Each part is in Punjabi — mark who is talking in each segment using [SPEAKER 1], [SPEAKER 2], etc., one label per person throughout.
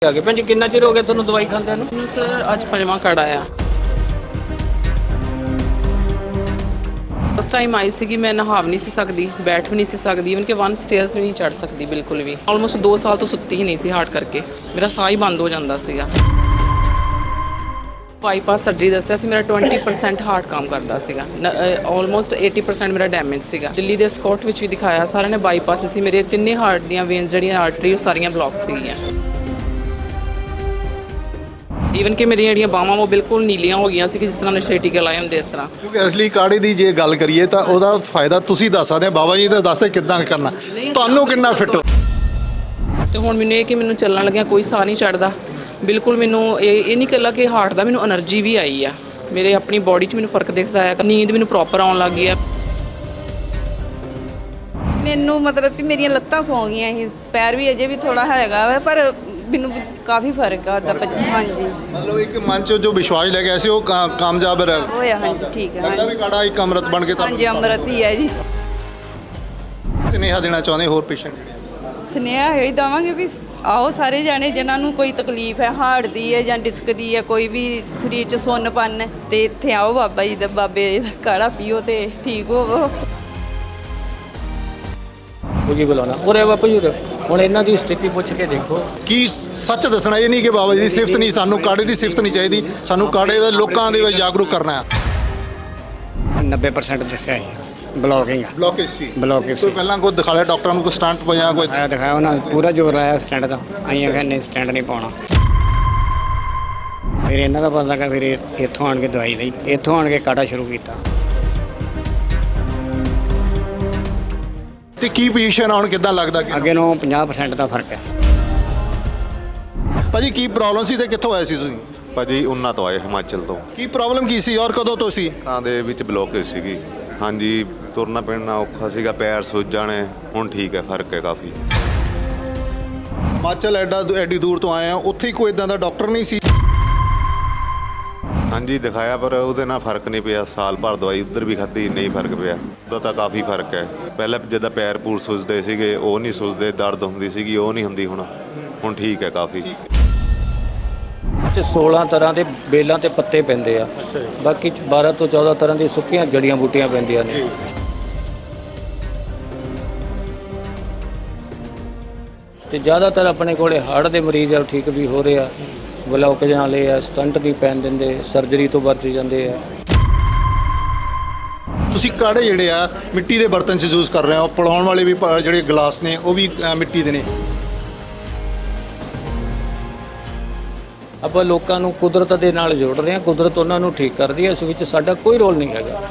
[SPEAKER 1] ਆ ਗਏ ਭੈਣ ਜੀ, ਕਿੰਨਾ ਚਿਰ ਹੋ ਗਿਆ ਤੁਹਾਨੂੰ ਦਵਾਈ ਖਾਂਦਿਆਂ ਨੂੰ?
[SPEAKER 2] ਮੈਨੂੰ ਸਰ ਅੱਜ ਪੰਜਵਾਂ ਕਾੜਾ ਆ। ਫਸਟ ਟਾਈਮ ਆਈ ਸੀਗੀ, ਮੈਂ ਨਹਾ ਵੀ ਨਹੀਂ ਸੀ ਸਕਦੀ, ਬੈਠ ਵੀ ਨਹੀਂ ਸੀ ਸਕਦੀ, ਇਵਨ ਕਿ 1 ਸਟੇਅਰਸ ਵੀ ਨਹੀਂ ਚੜ੍ਹ ਸਕਦੀ ਬਿਲਕੁਲ ਵੀ। ਆਲਮੋਸਟ 2 ਸਾਲ ਤੋਂ ਸੁੱਤੀ ਹੀ ਨਹੀਂ ਸੀ ਹਾਰਟ ਕਰਕੇ, ਮੇਰਾ ਸਾਹ ਹੀ ਬੰਦ ਹੋ ਜਾਂਦਾ ਸੀਗਾ। ਬਾਈਪਾਸ ਸਰਜਰੀ ਦੱਸਿਆ ਸੀ, ਮੇਰਾ 20% ਹਾਰਟ ਕੰਮ ਕਰਦਾ ਸੀਗਾ, ਆਲਮੋਸਟ 80% ਮੇਰਾ ਡੈਮੇਜ ਸੀਗਾ। ਦਿੱਲੀ ਦੇ ਸਕਾਟ ਵਿੱਚ ਵੀ ਦਿਖਾਇਆ, ਸਾਰਿਆਂ ਨੇ ਬਾਈਪਾਸ ਸੀ। ਮੇਰੇ ਤਿੰਨੇ ਹਾਰਟ ਦੀਆਂ ਵੇਨਸ ਜਿਹੜੀਆਂ ਆਰਟਰੀ ਉਹ ਸਾਰੀਆਂ ਬਲੌਕ ਸੀਗੀਆਂ। ਈਵਨ ਕਿ ਮੇਰੀਆਂ ਜਿਹੜੀਆਂ ਬਾਹਾਂ ਉਹ ਬਿਲਕੁਲ ਨੀਲੀਆਂ ਹੋ ਗਈਆਂ ਸੀ ਕਿ ਜਿਸ ਤਰ੍ਹਾਂ ਨਸ਼ੇ ਟੀਕੇ ਲਾਏ ਹੁੰਦੇ ਇਸ ਤਰ੍ਹਾਂ।
[SPEAKER 3] ਕਿਉਂਕਿ ਅਸਲੀ ਕਾੜੇ ਦੀ ਜੇ ਗੱਲ ਕਰੀਏ ਤਾਂ ਉਹਦਾ ਫਾਇਦਾ ਤੁਸੀਂ ਦੱਸ ਸਕਦੇ ਹੋ, ਬਾਬਾ ਜੀ ਦਾ ਦੱਸਦੇ ਕਿੱਦਾਂ ਕਰਨਾ, ਤੁਹਾਨੂੰ ਕਿੰਨਾ ਫਿੱਟ ਹੋ।
[SPEAKER 2] ਤੇ ਹੁਣ ਮੈਨੂੰ ਇਹ ਕਿ ਮੈਨੂੰ ਚੱਲਣ ਲੱਗਿਆ ਕੋਈ ਸਾਹ ਨਹੀਂ ਚੜਦਾ ਬਿਲਕੁਲ। ਮੈਨੂੰ ਇਹ ਨਹੀਂ ਇਕੱਲਾ ਕਿ ਹਾਰਟ ਦਾ, ਮੈਨੂੰ એનર્ਜੀ ਵੀ ਆਈ ਆ, ਮੇਰੇ ਆਪਣੀ ਬੋਡੀ 'ਚ ਮੈਨੂੰ ਫਰਕ ਦਿਖਦਾ ਹੈ, ਨੀਂਦ ਮੈਨੂੰ ਪ੍ਰੋਪਰ ਆਉਣ ਲੱਗ ਗਈ ਆ।
[SPEAKER 4] ਮੈਨੂੰ ਮਤਲਬ ਕਿ ਮੇਰੀਆਂ ਲੱਤਾਂ ਸੌਂ ਗਈਆਂ ਸੀ, ਪੈਰ ਵੀ ਅਜੇ ਵੀ ਥੋੜਾ ਹੈਗਾ ਵਾ, ਪਰ ਮੈਨੂੰ ਕਾਫੀ ਫਰਕ ਆ ਉਹਦਾ। ਹਾਂਜੀ,
[SPEAKER 3] ਮਤਲਬ ਇੱਕ ਮਨ 'ਚ ਜੋ ਵਿਸ਼ਵਾਸ ਲੈ ਗਿਆ ਸੀ ਉਹ ਕਾਮਯਾਬ
[SPEAKER 4] ਹੋਇਆ। ਹਾਂਜੀ ਠੀਕ ਹੈ।
[SPEAKER 3] ਲੱਗਦਾ ਵੀ ਕਾੜਾ ਇੱਕ ਅੰਮ੍ਰਿਤ ਬਣ ਕੇ
[SPEAKER 4] ਹਾਂਜੀ ਅੰਮ੍ਰਿਤ ਹੀ ਹੈ ਜੀ।
[SPEAKER 3] ਸੁਨੇਹਾ ਦੇਣਾ ਚਾਹੁੰਦੇ ਹੋਰ ਪੇਸ਼ੈਂਟ?
[SPEAKER 4] ਸੁਨੇਹਾ ਇਹ ਦੇਵਾਂਗੇ ਵੀ ਆਓ ਸਾਰੇ ਜਾਣੇ ਜਿਨ੍ਹਾਂ ਨੂੰ ਕੋਈ ਤਕਲੀਫ ਹੈ, ਹਾਰਟ ਦੀ ਹੈ ਜਾਂ ਡਿਸਕ ਦੀ ਹੈ, ਕੋਈ ਵੀ ਸਰੀਰ 'ਚ ਸੁੰਨਪਨ ਹੈ, ਤੇ ਇੱਥੇ ਆਓ ਬਾਬਾ ਜੀ ਦਾ, ਬਾਬੇ ਦਾ ਕਾੜਾ ਪੀਓ ਤੇ ਠੀਕ ਹੋਵੋ।
[SPEAKER 1] ਉਹ ਜੀ ਬੁਲਾਉਣਾ ਉਰੇ ਬਾਪੂ ਜੀ ਉਰੇ। ਹੁਣ ਇਹਨਾਂ ਦੀ ਸਥਿਤੀ ਪੁੱਛ ਕੇ ਦੇਖੋ।
[SPEAKER 3] ਕੀ ਸੱਚ ਦੱਸਣਾ, ਇਹ ਨਹੀਂ ਕਿ ਬਾਬਾ ਜੀ ਦੀ ਸਿਫਤ ਨਹੀਂ, ਸਾਨੂੰ ਕਾੜੇ ਦੀ ਸਿਫਤ ਨਹੀਂ ਚਾਹੀਦੀ, ਸਾਨੂੰ ਕਾੜੇ ਦੇ ਲੋਕਾਂ ਦੇ ਵਿੱਚ ਜਾਗਰੂਕ ਕਰਨਾ ਹੈ।
[SPEAKER 5] 90% ਦੱਸਿਆ ਸੀ ਬਲੌਕਿੰਗ ਆ।
[SPEAKER 3] ਬਲੌਕੇਜ ਸੀ?
[SPEAKER 5] ਬਲੌਕਿੰਗ
[SPEAKER 3] ਕੋਈ ਪਹਿਲਾਂ ਕੋਈ ਦਿਖਾ ਲਿਆ ਡਾਕਟਰਾਂ ਨੂੰ, ਕੋਈ ਸਟੰਟ ਪਾਇਆ ਕੋਈ?
[SPEAKER 5] ਆਇਆ ਦਿਖਾਇਆ ਉਹਨਾਂ ਨੇ, ਪੂਰਾ ਜ਼ੋਰ ਲਾਇਆ ਸਟੈਂਡ ਦਾ। ਅਸੀਂ ਆਖਿਆ ਨਹੀਂ ਸਟੈਂਡ ਨਹੀਂ ਪਾਉਣਾ। ਫਿਰ ਇਹਨਾਂ ਦਾ ਪਤਾ ਲੱਗਾ, ਫਿਰ ਇੱਥੋਂ ਆਣ ਕੇ ਦਵਾਈ ਲਈ, ਇੱਥੋਂ ਆਣ ਕੇ ਕਾੜਾ ਸ਼ੁਰੂ ਕੀਤਾ।
[SPEAKER 3] ਤੇ ਕੀ ਪੋਜੀਸ਼ਨ ਹੁਣ ਕਿੱਦਾਂ ਲੱਗਦਾ ਕਿ
[SPEAKER 5] ਅੱਗੇ ਨੂੰ 50% ਦਾ ਫਰਕ ਹੈ।
[SPEAKER 3] ਭਾਜੀ ਕੀ ਪ੍ਰੋਬਲਮ ਸੀ ਤੇ ਕਿੱਥੋਂ ਆਏ ਸੀ ਤੁਸੀਂ?
[SPEAKER 6] ਭਾਜੀ ਉਹਨਾਂ ਤੋਂ ਆਏ, ਹਿਮਾਚਲ ਤੋਂ।
[SPEAKER 3] ਕੀ ਪ੍ਰੋਬਲਮ ਕੀ ਸੀ ਔਰ ਕਦੋਂ ਤੋਂ ਸੀ?
[SPEAKER 6] ਤਾਂ ਦੇ ਵਿੱਚ ਬਲੋਕੇਜ ਸੀਗੀ। ਹਾਂਜੀ, ਤੁਰਨਾ ਫਿਰਨਾ ਔਖਾ ਸੀਗਾ, ਪੈਰ ਸੁੱਜ ਜਾਣੇ। ਹੁਣ ਠੀਕ ਹੈ, ਫਰਕ ਹੈ ਕਾਫੀ।
[SPEAKER 3] ਹਿਮਾਚਲ ਐਡੀ ਦੂਰ ਤੋਂ ਆਏ ਆ, ਉੱਥੇ ਹੀ ਕੋਈ ਇਦਾਂ ਦਾ ਡਾਕਟਰ ਨਹੀਂ ਸੀ?
[SPEAKER 6] ਹਾਂਜੀ ਦਿਖਾਇਆ, ਪਰ ਉਹਦੇ ਨਾਲ ਫਰਕ ਨਹੀਂ ਪਿਆ। ਸਾਲ ਭਰ ਦਵਾਈ ਉੱਧਰ ਵੀ ਖਾਧੀ, ਨਹੀਂ ਫਰਕ ਪਿਆ। ਉਹਦਾ ਤਾਂ ਕਾਫੀ ਫਰਕ ਹੈ। ਪਹਿਲਾਂ ਜਿੱਦਾਂ ਪੈਰ ਪੂਰ ਸੁੱਜਦੇ ਸੀਗੇ ਉਹ ਨਹੀਂ ਸੁੱਜਦੇ, ਦਰਦ ਹੁੰਦੀ ਸੀਗੀ ਉਹ ਨਹੀਂ ਹੁੰਦੀ ਹੁਣ ਠੀਕ ਹੈ ਕਾਫੀ।
[SPEAKER 1] ਤੇ 16 ਤਰ੍ਹਾਂ ਦੇ ਬੇਲਾਂ ਤੇ ਪੱਤੇ ਪੈਂਦੇ ਆ, ਬਾਕੀ 12 ਤੋਂ 14 ਤਰ੍ਹਾਂ ਦੀ ਸੁੱਕੀਆਂ ਜੜੀਆਂ ਬੂਟੀਆਂ ਪੈਂਦੀਆਂ ਨੇ। ਤੇ ਜ਼ਿਆਦਾਤਰ ਆਪਣੇ ਕੋਲੇ ਹਾਰਟ ਦੇ ਮਰੀਜ਼ ਆ, ਠੀਕ ਵੀ ਹੋ ਰਹੇ ਆ। ਬਲੌਕੇਜ ਵਾਲੇ ਆ, ਸਟੰਟ ਵੀ ਪੈਣ ਦਿੰਦੇ, ਸਰਜਰੀ ਤੋਂ ਬਚ ਜਾਂਦੇ ਆ।
[SPEAKER 3] ਤੁਸੀਂ ਕਾੜੇ ਜਿਹੜੇ ਆ ਮਿੱਟੀ ਦੇ ਬਰਤਨ 'ਚ ਯੂਜ਼ ਕਰ ਰਹੇ ਹੋ, ਪਿਲਾਉਣ ਵਾਲੇ ਵੀ ਜਿਹੜੇ ਗਲਾਸ ਨੇ ਉਹ ਵੀ ਮਿੱਟੀ ਦੇ ਨੇ।
[SPEAKER 1] ਆਪਾਂ ਲੋਕਾਂ ਨੂੰ ਕੁਦਰਤ ਦੇ ਨਾਲ ਜੋੜ ਰਹੇ ਹਾਂ, ਕੁਦਰਤ ਉਹਨਾਂ ਨੂੰ ਠੀਕ ਕਰਦੀ ਹੈ, ਇਸ ਵਿੱਚ ਸਾਡਾ ਕੋਈ ਰੋਲ ਨਹੀਂ ਹੈਗਾ।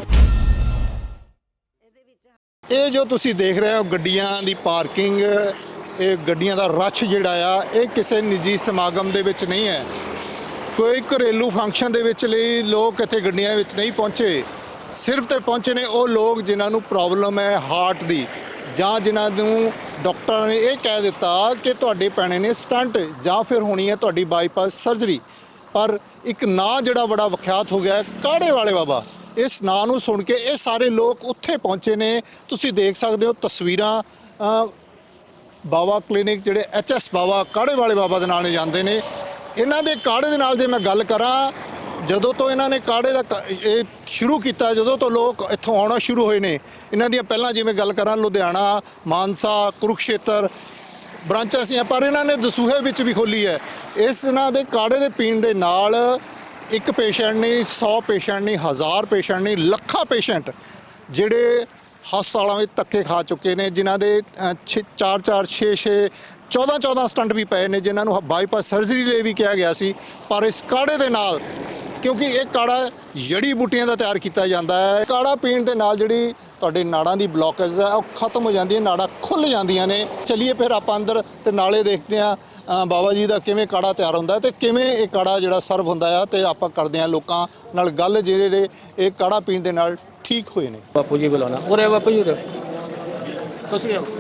[SPEAKER 3] ਇਹ ਜੋ ਤੁਸੀਂ ਦੇਖ ਰਹੇ ਹੋ ਗੱਡੀਆਂ ਦੀ ਪਾਰਕਿੰਗ, ਇਹ ਗੱਡੀਆਂ ਦਾ ਰਸ਼ ਜਿਹੜਾ ਆ, ਇਹ ਕਿਸੇ ਨਿੱਜੀ ਸਮਾਗਮ ਦੇ ਵਿੱਚ ਨਹੀਂ ਹੈ, ਕੋਈ ਘਰੇਲੂ ਫੰਕਸ਼ਨ ਦੇ ਵਿੱਚ ਲਈ ਲੋਕ ਇੱਥੇ ਗੱਡੀਆਂ ਵਿੱਚ ਨਹੀਂ ਪਹੁੰਚੇ। ਸਿਰਫ ਤੇ ਪਹੁੰਚੇ ਨੇ ਉਹ ਲੋਕ ਜਿਨ੍ਹਾਂ ਨੂੰ ਪ੍ਰੋਬਲਮ ਹੈ ਹਾਰਟ ਦੀ, ਜਾਂ ਜਿਨ੍ਹਾਂ ਨੂੰ ਡਾਕਟਰਾਂ ਨੇ ਇਹ ਕਹਿ ਦਿੱਤਾ ਕਿ ਤੁਹਾਡੇ ਪੈਣੇ ਨੇ ਸਟੰਟ ਜਾਂ ਫਿਰ ਹੋਣੀ ਹੈ ਤੁਹਾਡੀ ਬਾਈਪਾਸ ਸਰਜਰੀ। ਪਰ ਇੱਕ ਨਾਂ ਜਿਹੜਾ ਬੜਾ ਵਿਖਿਆਤ ਹੋ ਗਿਆ, ਕਾੜੇ ਵਾਲੇ ਬਾਬਾ, ਇਸ ਨਾਂ ਨੂੰ ਸੁਣ ਕੇ ਇਹ ਸਾਰੇ ਲੋਕ ਉੱਥੇ ਪਹੁੰਚੇ ਨੇ। ਤੁਸੀਂ ਦੇਖ ਸਕਦੇ ਹੋ ਤਸਵੀਰਾਂ। ਬਾਬਾ ਕਲੀਨਿਕ ਜਿਹੜੇ HS ਬਾਬਾ, ਕਾੜੇ ਵਾਲੇ ਬਾਬਾ ਦੇ ਨਾਂ ਨੇ ਜਾਂਦੇ ਨੇ। ਇਹਨਾਂ ਦੇ ਕਾੜੇ ਦੇ ਨਾਲ ਜੇ ਮੈਂ ਗੱਲ ਕਰਾਂ, ਜਦੋਂ ਤੋਂ ਇਹਨਾਂ ਨੇ ਕਾੜੇ ਦਾ ਇਹ ਸ਼ੁਰੂ ਕੀਤਾ, ਜਦੋਂ ਤੋਂ ਲੋਕ ਇੱਥੋਂ ਆਉਣਾ ਸ਼ੁਰੂ ਹੋਏ ਨੇ, ਇਹਨਾਂ ਦੀਆਂ ਪਹਿਲਾਂ ਜਿਵੇਂ ਗੱਲ ਕਰਾਂ ਲੁਧਿਆਣਾ, ਮਾਨਸਾ, ਕੁਰੂਕਸ਼ੇਤਰ ਬ੍ਰਾਂਚਾਂ ਸੀ, ਪਰ ਇਹਨਾਂ ਨੇ ਦਸੂਹੇ ਵਿੱਚ ਵੀ ਖੋਲ੍ਹੀ ਹੈ। ਇਸ ਇਹਨਾਂ ਦੇ ਕਾੜੇ ਦੇ ਪੀਣ ਦੇ ਨਾਲ ਇੱਕ ਪੇਸ਼ੈਂਟ ਨਹੀਂ, 100 ਪੇਸ਼ੈਂਟ ਨਹੀਂ, 1000 ਪੇਸ਼ੈਂਟ ਨਹੀਂ, ਲੱਖਾਂ ਪੇਸ਼ੈਂਟ ਜਿਹੜੇ ਹਸਪਤਾਲਾਂ ਵਿੱਚ ਧੱਕੇ ਖਾ ਚੁੱਕੇ ਨੇ, ਜਿਨ੍ਹਾਂ ਦੇ 4-4, 6-6, 14-14 ਸਟੰਟ ਵੀ ਪਏ ਨੇ, ਜਿਨ੍ਹਾਂ ਨੂੰ ਬਾਈਪਾਸ ਸਰਜਰੀ ਲਈ ਵੀ ਕਿਹਾ ਗਿਆ ਸੀ। ਪਰ ਇਸ ਕਾੜੇ ਦੇ ਨਾਲ, ਕਿਉਂਕਿ ਇਹ ਕਾੜਾ ਜੜੀ ਬੂਟੀਆਂ ਦਾ ਤਿਆਰ ਕੀਤਾ ਜਾਂਦਾ ਹੈ, ਕਾੜਾ ਪੀਣ ਦੇ ਨਾਲ ਜਿਹੜੀ ਤੁਹਾਡੇ ਨਾੜਾਂ ਦੀ ਬਲੌਕੇਜ ਹੈ ਉਹ ਖਤਮ ਹੋ ਜਾਂਦੀ ਹੈ, ਨਾੜਾਂ ਖੁੱਲ੍ਹ ਜਾਂਦੀਆਂ ਨੇ। ਚਲਿਏ ਫਿਰ ਆਪਾਂ ਅੰਦਰ ਤੇ ਨਾਲੇ ਦੇਖਦੇ ਹਾਂ ਬਾਬਾ ਜੀ ਦਾ ਕਿਵੇਂ ਕਾੜਾ ਤਿਆਰ ਹੁੰਦਾ ਹੈ ਤੇ ਕਿਵੇਂ ਇਹ ਕਾੜਾ ਜਿਹੜਾ ਸਰਵ ਹੁੰਦਾ ਆ, ਤੇ ਆਪਾਂ ਕਰਦੇ ਹਾਂ ਲੋਕਾਂ ਨਾਲ ਗੱਲ ਜਿਹੜੇ ਇਹ ਕਾੜਾ ਪੀਣ ਦੇ ਨਾਲ ਠੀਕ ਹੋਏ ਨੇ।
[SPEAKER 1] ਬਾਪੂ ਜੀ ਬੁਲਾਉਣਾ ਉਰੇ ਬਾਪੂ ਜੀ ਉਰੇ। ਤੁਸੀਂ ਆਓ।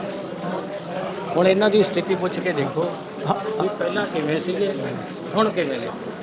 [SPEAKER 1] ਹੁਣ ਇਹਨਾਂ ਦੀ ਸਥਿਤੀ ਪੁੱਛ ਕੇ ਦੇਖੋ ਵੀ ਪਹਿਲਾਂ ਕਿਵੇਂ ਸੀਗੇ, ਹੁਣ ਕਿਵੇਂ ਨੇ।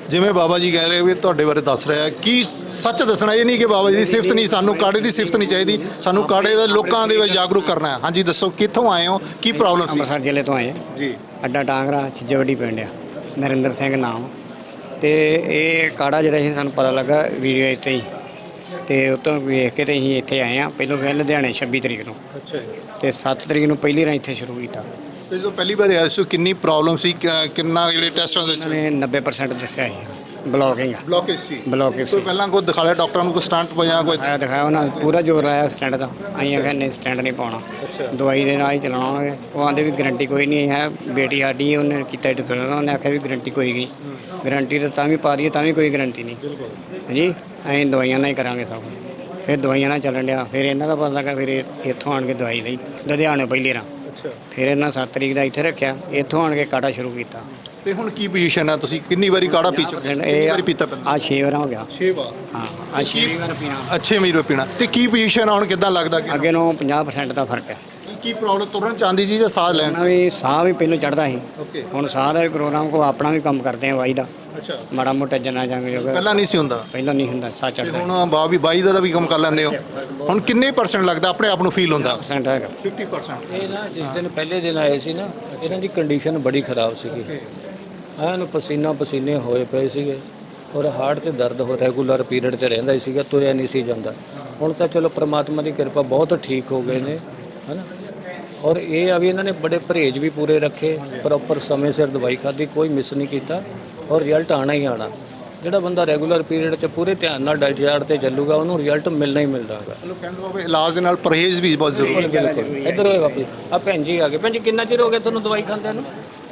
[SPEAKER 3] ਜਿਵੇਂ ਬਾਬਾ ਜੀ ਕਹਿ ਰਹੇ ਵੀ ਤੁਹਾਡੇ ਬਾਰੇ ਦੱਸ ਰਿਹਾ ਕੀ ਸੱਚ ਦੱਸਣਾ, ਇਹ ਨਹੀਂ ਕਿ ਬਾਬਾ ਜੀ ਦੀ ਸਿਫਤ ਨਹੀਂ, ਸਾਨੂੰ ਕਾੜੇ ਦੀ ਸਿਫਤ ਨਹੀਂ ਚਾਹੀਦੀ, ਸਾਨੂੰ ਕਾੜੇ ਦਾ ਲੋਕਾਂ ਦੇ ਵਿੱਚ ਜਾਗਰੂਕ ਕਰਨਾ ਹੈ। ਹਾਂਜੀ ਦੱਸੋ ਕਿੱਥੋਂ ਆਏ ਹੋ, ਕੀ ਪ੍ਰੋਬਲਮ ਸੀ?
[SPEAKER 5] ਅੰਮ੍ਰਿਤਸਰ ਜ਼ਿਲ੍ਹੇ ਤੋਂ ਆਏ
[SPEAKER 3] ਜੀ
[SPEAKER 5] ਅੱਡਾ ਟਾਂਗਰਾ ਛਿੱਜਵੱਡੀ ਪਿੰਡ ਆ, ਨਰਿੰਦਰ ਸਿੰਘ ਨਾਮ। ਤੇ ਇਹ ਕਾੜਾ ਜਿਹੜਾ ਸੀ ਸਾਨੂੰ ਪਤਾ ਲੱਗਾ ਵੀਡੀਓ ਇੱਥੇ ਹੀ, ਤੇ ਉਤੋਂ ਵੇਖ ਕੇ ਤੇ ਅਸੀਂ ਇੱਥੇ ਆਏ ਆ। ਪਹਿਲੋਂ ਗਏ ਲੁਧਿਆਣੇ 26 ਤਰੀਕ ਨੂੰ,
[SPEAKER 3] ਅੱਛਾ ਜੀ।
[SPEAKER 5] ਤੇ 7 ਤਰੀਕ ਨੂੰ ਪਹਿਲੀ ਵਾਰ ਇੱਥੇ ਸ਼ੁਰੂ ਕੀਤਾ।
[SPEAKER 3] ਤੇ ਜਦੋਂ ਪਹਿਲੀ ਵਾਰ ਆਏ ਸੀ ਕਿੰਨੀ ਪ੍ਰੋਬਲਮ ਸੀ, ਕਿੰਨਾ ਜਿਹੜੇ ਟੈਸਟਾਂ ਦੇ
[SPEAKER 5] ਉਹਨਾਂ ਨੇ 90% ਦੱਸਿਆ ਸੀ ਬਲੋਕਿੰਗ ਆ,
[SPEAKER 3] ਬਲੌਕੇਜ ਸੀ?
[SPEAKER 5] ਬਲੋਕਿੰਗ
[SPEAKER 3] ਕੋਈ ਪਹਿਲਾਂ ਕੋਈ ਦਿਖਾ ਲਿਆ ਡਾਕਟਰਾਂ ਨੂੰ, ਕੋਈ ਸਟੰਟ ਪਿਆ ਕੋਈ?
[SPEAKER 5] ਦਿਖਾਇਆ ਉਹਨਾਂ ਨੇ, ਪੂਰਾ ਜ਼ੋਰ ਲਾਇਆ ਸਟੈਂਡ ਦਾ। ਅਸੀਂ ਆਖਿਆ ਨਹੀਂ ਸਟੈਂਡ ਨਹੀਂ ਪਾਉਣਾ, ਦਵਾਈ ਦੇ ਨਾਲ ਹੀ ਚਲਾਉਣਾਗੇ। ਉਹ ਆਂਦੇ ਵੀ ਗਰੰਟੀ ਕੋਈ ਨਹੀਂ ਹੈ, ਬੇਟੀ ਸਾਡੀ ਉਹਨੇ ਕੀਤਾ ਡਿਪਲੋਮਾ, ਉਹਨੇ ਆਖਿਆ ਵੀ ਗਰੰਟੀ ਕੋਈ ਨਹੀਂ, ਗਰੰਟੀ ਤਾਂ ਵੀ ਪਾ ਦਈਏ ਤਾਂ ਵੀ ਕੋਈ ਗਰੰਟੀ ਨਹੀਂ ਹਾਂਜੀ, ਅਸੀਂ ਦਵਾਈਆਂ ਨਾਲ ਹੀ ਕਰਾਂਗੇ ਸਭ। ਫਿਰ ਦਵਾਈਆਂ ਨਾਲ ਚੱਲਣ ਡਿਆ। ਫਿਰ ਇਹਨਾਂ ਦਾ ਪਤਾ ਲੱਗਾ, ਫਿਰ ਇੱਥੋਂ ਆਣ ਕੇ ਦਵਾਈ ਲਈ ਲੁਧਿਆਣੇ ਪਹਿਲੀ ਰਾਂ। ਫਿਰ ਇਹਨਾਂ 7 ਤਰੀਕ ਦਾ ਇੱਥੇ ਰੱਖਿਆ, ਇੱਥੋਂ ਆਣ ਕੇ ਕਾੜਾ ਸ਼ੁਰੂ ਕੀਤਾ।
[SPEAKER 3] ਤੇ ਹੁਣ ਕੀ ਪੋਜੀਸ਼ਨ ਹੈ, ਤੁਸੀਂ ਕਿੰਨੀ ਵਾਰੀ ਕਾੜਾ ਪੀ ਚੁੱਕੇ? ਕਿੰਨੀ ਵਾਰੀ ਪੀਤਾ ਪਹਿਲਾਂ?
[SPEAKER 5] ਆ 6 ਵਾਰ ਹੋ ਗਿਆ।
[SPEAKER 3] 6 ਵਾਰ?
[SPEAKER 5] ਹਾਂ ਆ 6 ਵਾਰ ਪੀਣਾ।
[SPEAKER 3] ਅੱਛੇ ਮੀਰੋ ਪੀਣਾ। ਤੇ ਕੀ ਪੋਜੀਸ਼ਨ ਹੁਣ ਕਿੱਦਾਂ ਲੱਗਦਾ ਕਿ
[SPEAKER 5] ਅੱਗੇ ਨੂੰ 50% ਦਾ ਫਰਕ ਹੈ।
[SPEAKER 3] ਕੀ ਪ੍ਰੋਬਲਮ ਤੁਰਨ ਚਾਹੁੰਦੀ ਸੀ ਜਾਂ ਸਾਹ ਲੈਣ
[SPEAKER 5] ਉਹਨਾਂ ਵੀ ਸਾਹ ਵੀ ਪਹਿਲਾਂ ਚੜਦਾ ਸੀ,
[SPEAKER 3] ਓਕੇ
[SPEAKER 5] ਹੁਣ ਸਾਹ ਦਾ ਵੀ ਪ੍ਰੋਗਰਾਮ ਕੋ ਆਪਣਾ ਵੀ ਕੰਮ ਕਰਦੇ ਆ ਵਾਈ ਦਾ,
[SPEAKER 3] ਅੱਛਾ।
[SPEAKER 5] ਮਾੜਾ ਮੋਟਾ ਜਨਾ ਜਾਂਗੇ ਜੋ
[SPEAKER 3] ਪਹਿਲਾਂ ਨਹੀਂ ਸੀ ਹੁੰਦਾ?
[SPEAKER 5] ਪਹਿਲਾਂ ਨਹੀਂ ਹੁੰਦਾ, ਸਾਹ
[SPEAKER 3] ਤੇ
[SPEAKER 5] ਚੜਦਾ।
[SPEAKER 3] ਹੁਣ ਬਾਈ ਦਾ ਵੀ ਕੰਮ ਕਰ ਲੈਂਦੇ ਹੋ? ਹੁਣ ਕਿੰਨੇ % ਲੱਗਦਾ ਆਪਣੇ ਆਪ ਨੂੰ ਫੀਲ ਹੁੰਦਾ?
[SPEAKER 5] 50% ਹੈਗਾ।
[SPEAKER 3] 50%।
[SPEAKER 1] ਇਹ ਨਾ ਜਿਸ ਦਿਨ ਪਹਿਲੇ ਦਿਨ ਆਏ ਸੀ ਨਾ, ਇਹਨਾਂ ਦੀ ਕੰਡੀਸ਼ਨ ਬੜੀ ਖਰਾਬ ਸੀਗੀ, ਐਨ ਪਸੀਨਾ ਪਸੀਨੇ ਹੋਏ ਪਏ ਸੀਗੇ, ਔਰ ਹਾਰਟ ਤੇ ਦਰਦ ਹੋ ਰੈਗੂਲਰ ਪੀਰੀਅਡ 'ਚ ਰਹਿੰਦਾ ਹੀ ਸੀਗਾ, ਤੁਰਿਆ ਨਹੀਂ ਸੀ ਜਾਂਦਾ। ਹੁਣ ਤਾਂ ਚਲੋ ਪ੍ਰਮਾਤਮਾ ਦੀ ਕਿਰਪਾ ਬਹੁਤ ਠੀਕ ਹੋ ਗਏ ਨੇ, ਹੈ ਨਾ। ਔਰ ਇਹ ਆ ਵੀ ਇਹਨਾਂ ਨੇ ਬੜੇ ਪਰਹੇਜ਼ ਵੀ ਪੂਰੇ ਰੱਖੇ, ਪ੍ਰੋਪਰ ਸਮੇਂ ਸਿਰ ਦਵਾਈ ਖਾਧੀ, ਕੋਈ ਮਿਸ ਨਹੀਂ ਕੀਤਾ, ਔਰ ਰਿਜ਼ਲਟ ਆਣਾ ਹੀ ਆਣਾ। ਜਿਹੜਾ ਬੰਦਾ ਰੈਗੂਲਰ ਪੀਰੀਅਡ 'ਚ ਪੂਰੇ ਧਿਆਨ ਨਾਲ ਡਾਈਟ ਤੇ ਚੱਲੂਗਾ, ਉਹਨੂੰ ਰਿਜ਼ਲਟ ਮਿਲਣਾ ਹੀ ਮਿਲਦਾ ਹੈਗਾ।
[SPEAKER 3] ਚਲੋ ਕਹਿੰਦੇ ਬਾਬੇ ਇਲਾਜ ਦੇ ਨਾਲ ਪਰਹੇਜ਼ ਵੀ ਬਹੁਤ ਜ਼ਰੂਰੀ ਹੈ।
[SPEAKER 1] ਬਿਲਕੁਲ। ਇੱਧਰ ਹੋਏ ਵਾਪਸ ਆ ਭੈਣ ਜੀ ਆ ਗਏ। ਭੈਣ ਜੀ ਕਿੰਨਾ ਚਿਰ ਹੋ ਗਿਆ ਤੁਹਾਨੂੰ ਦਵਾਈ ਖਾਂਦਿਆਂ ਨੂੰ?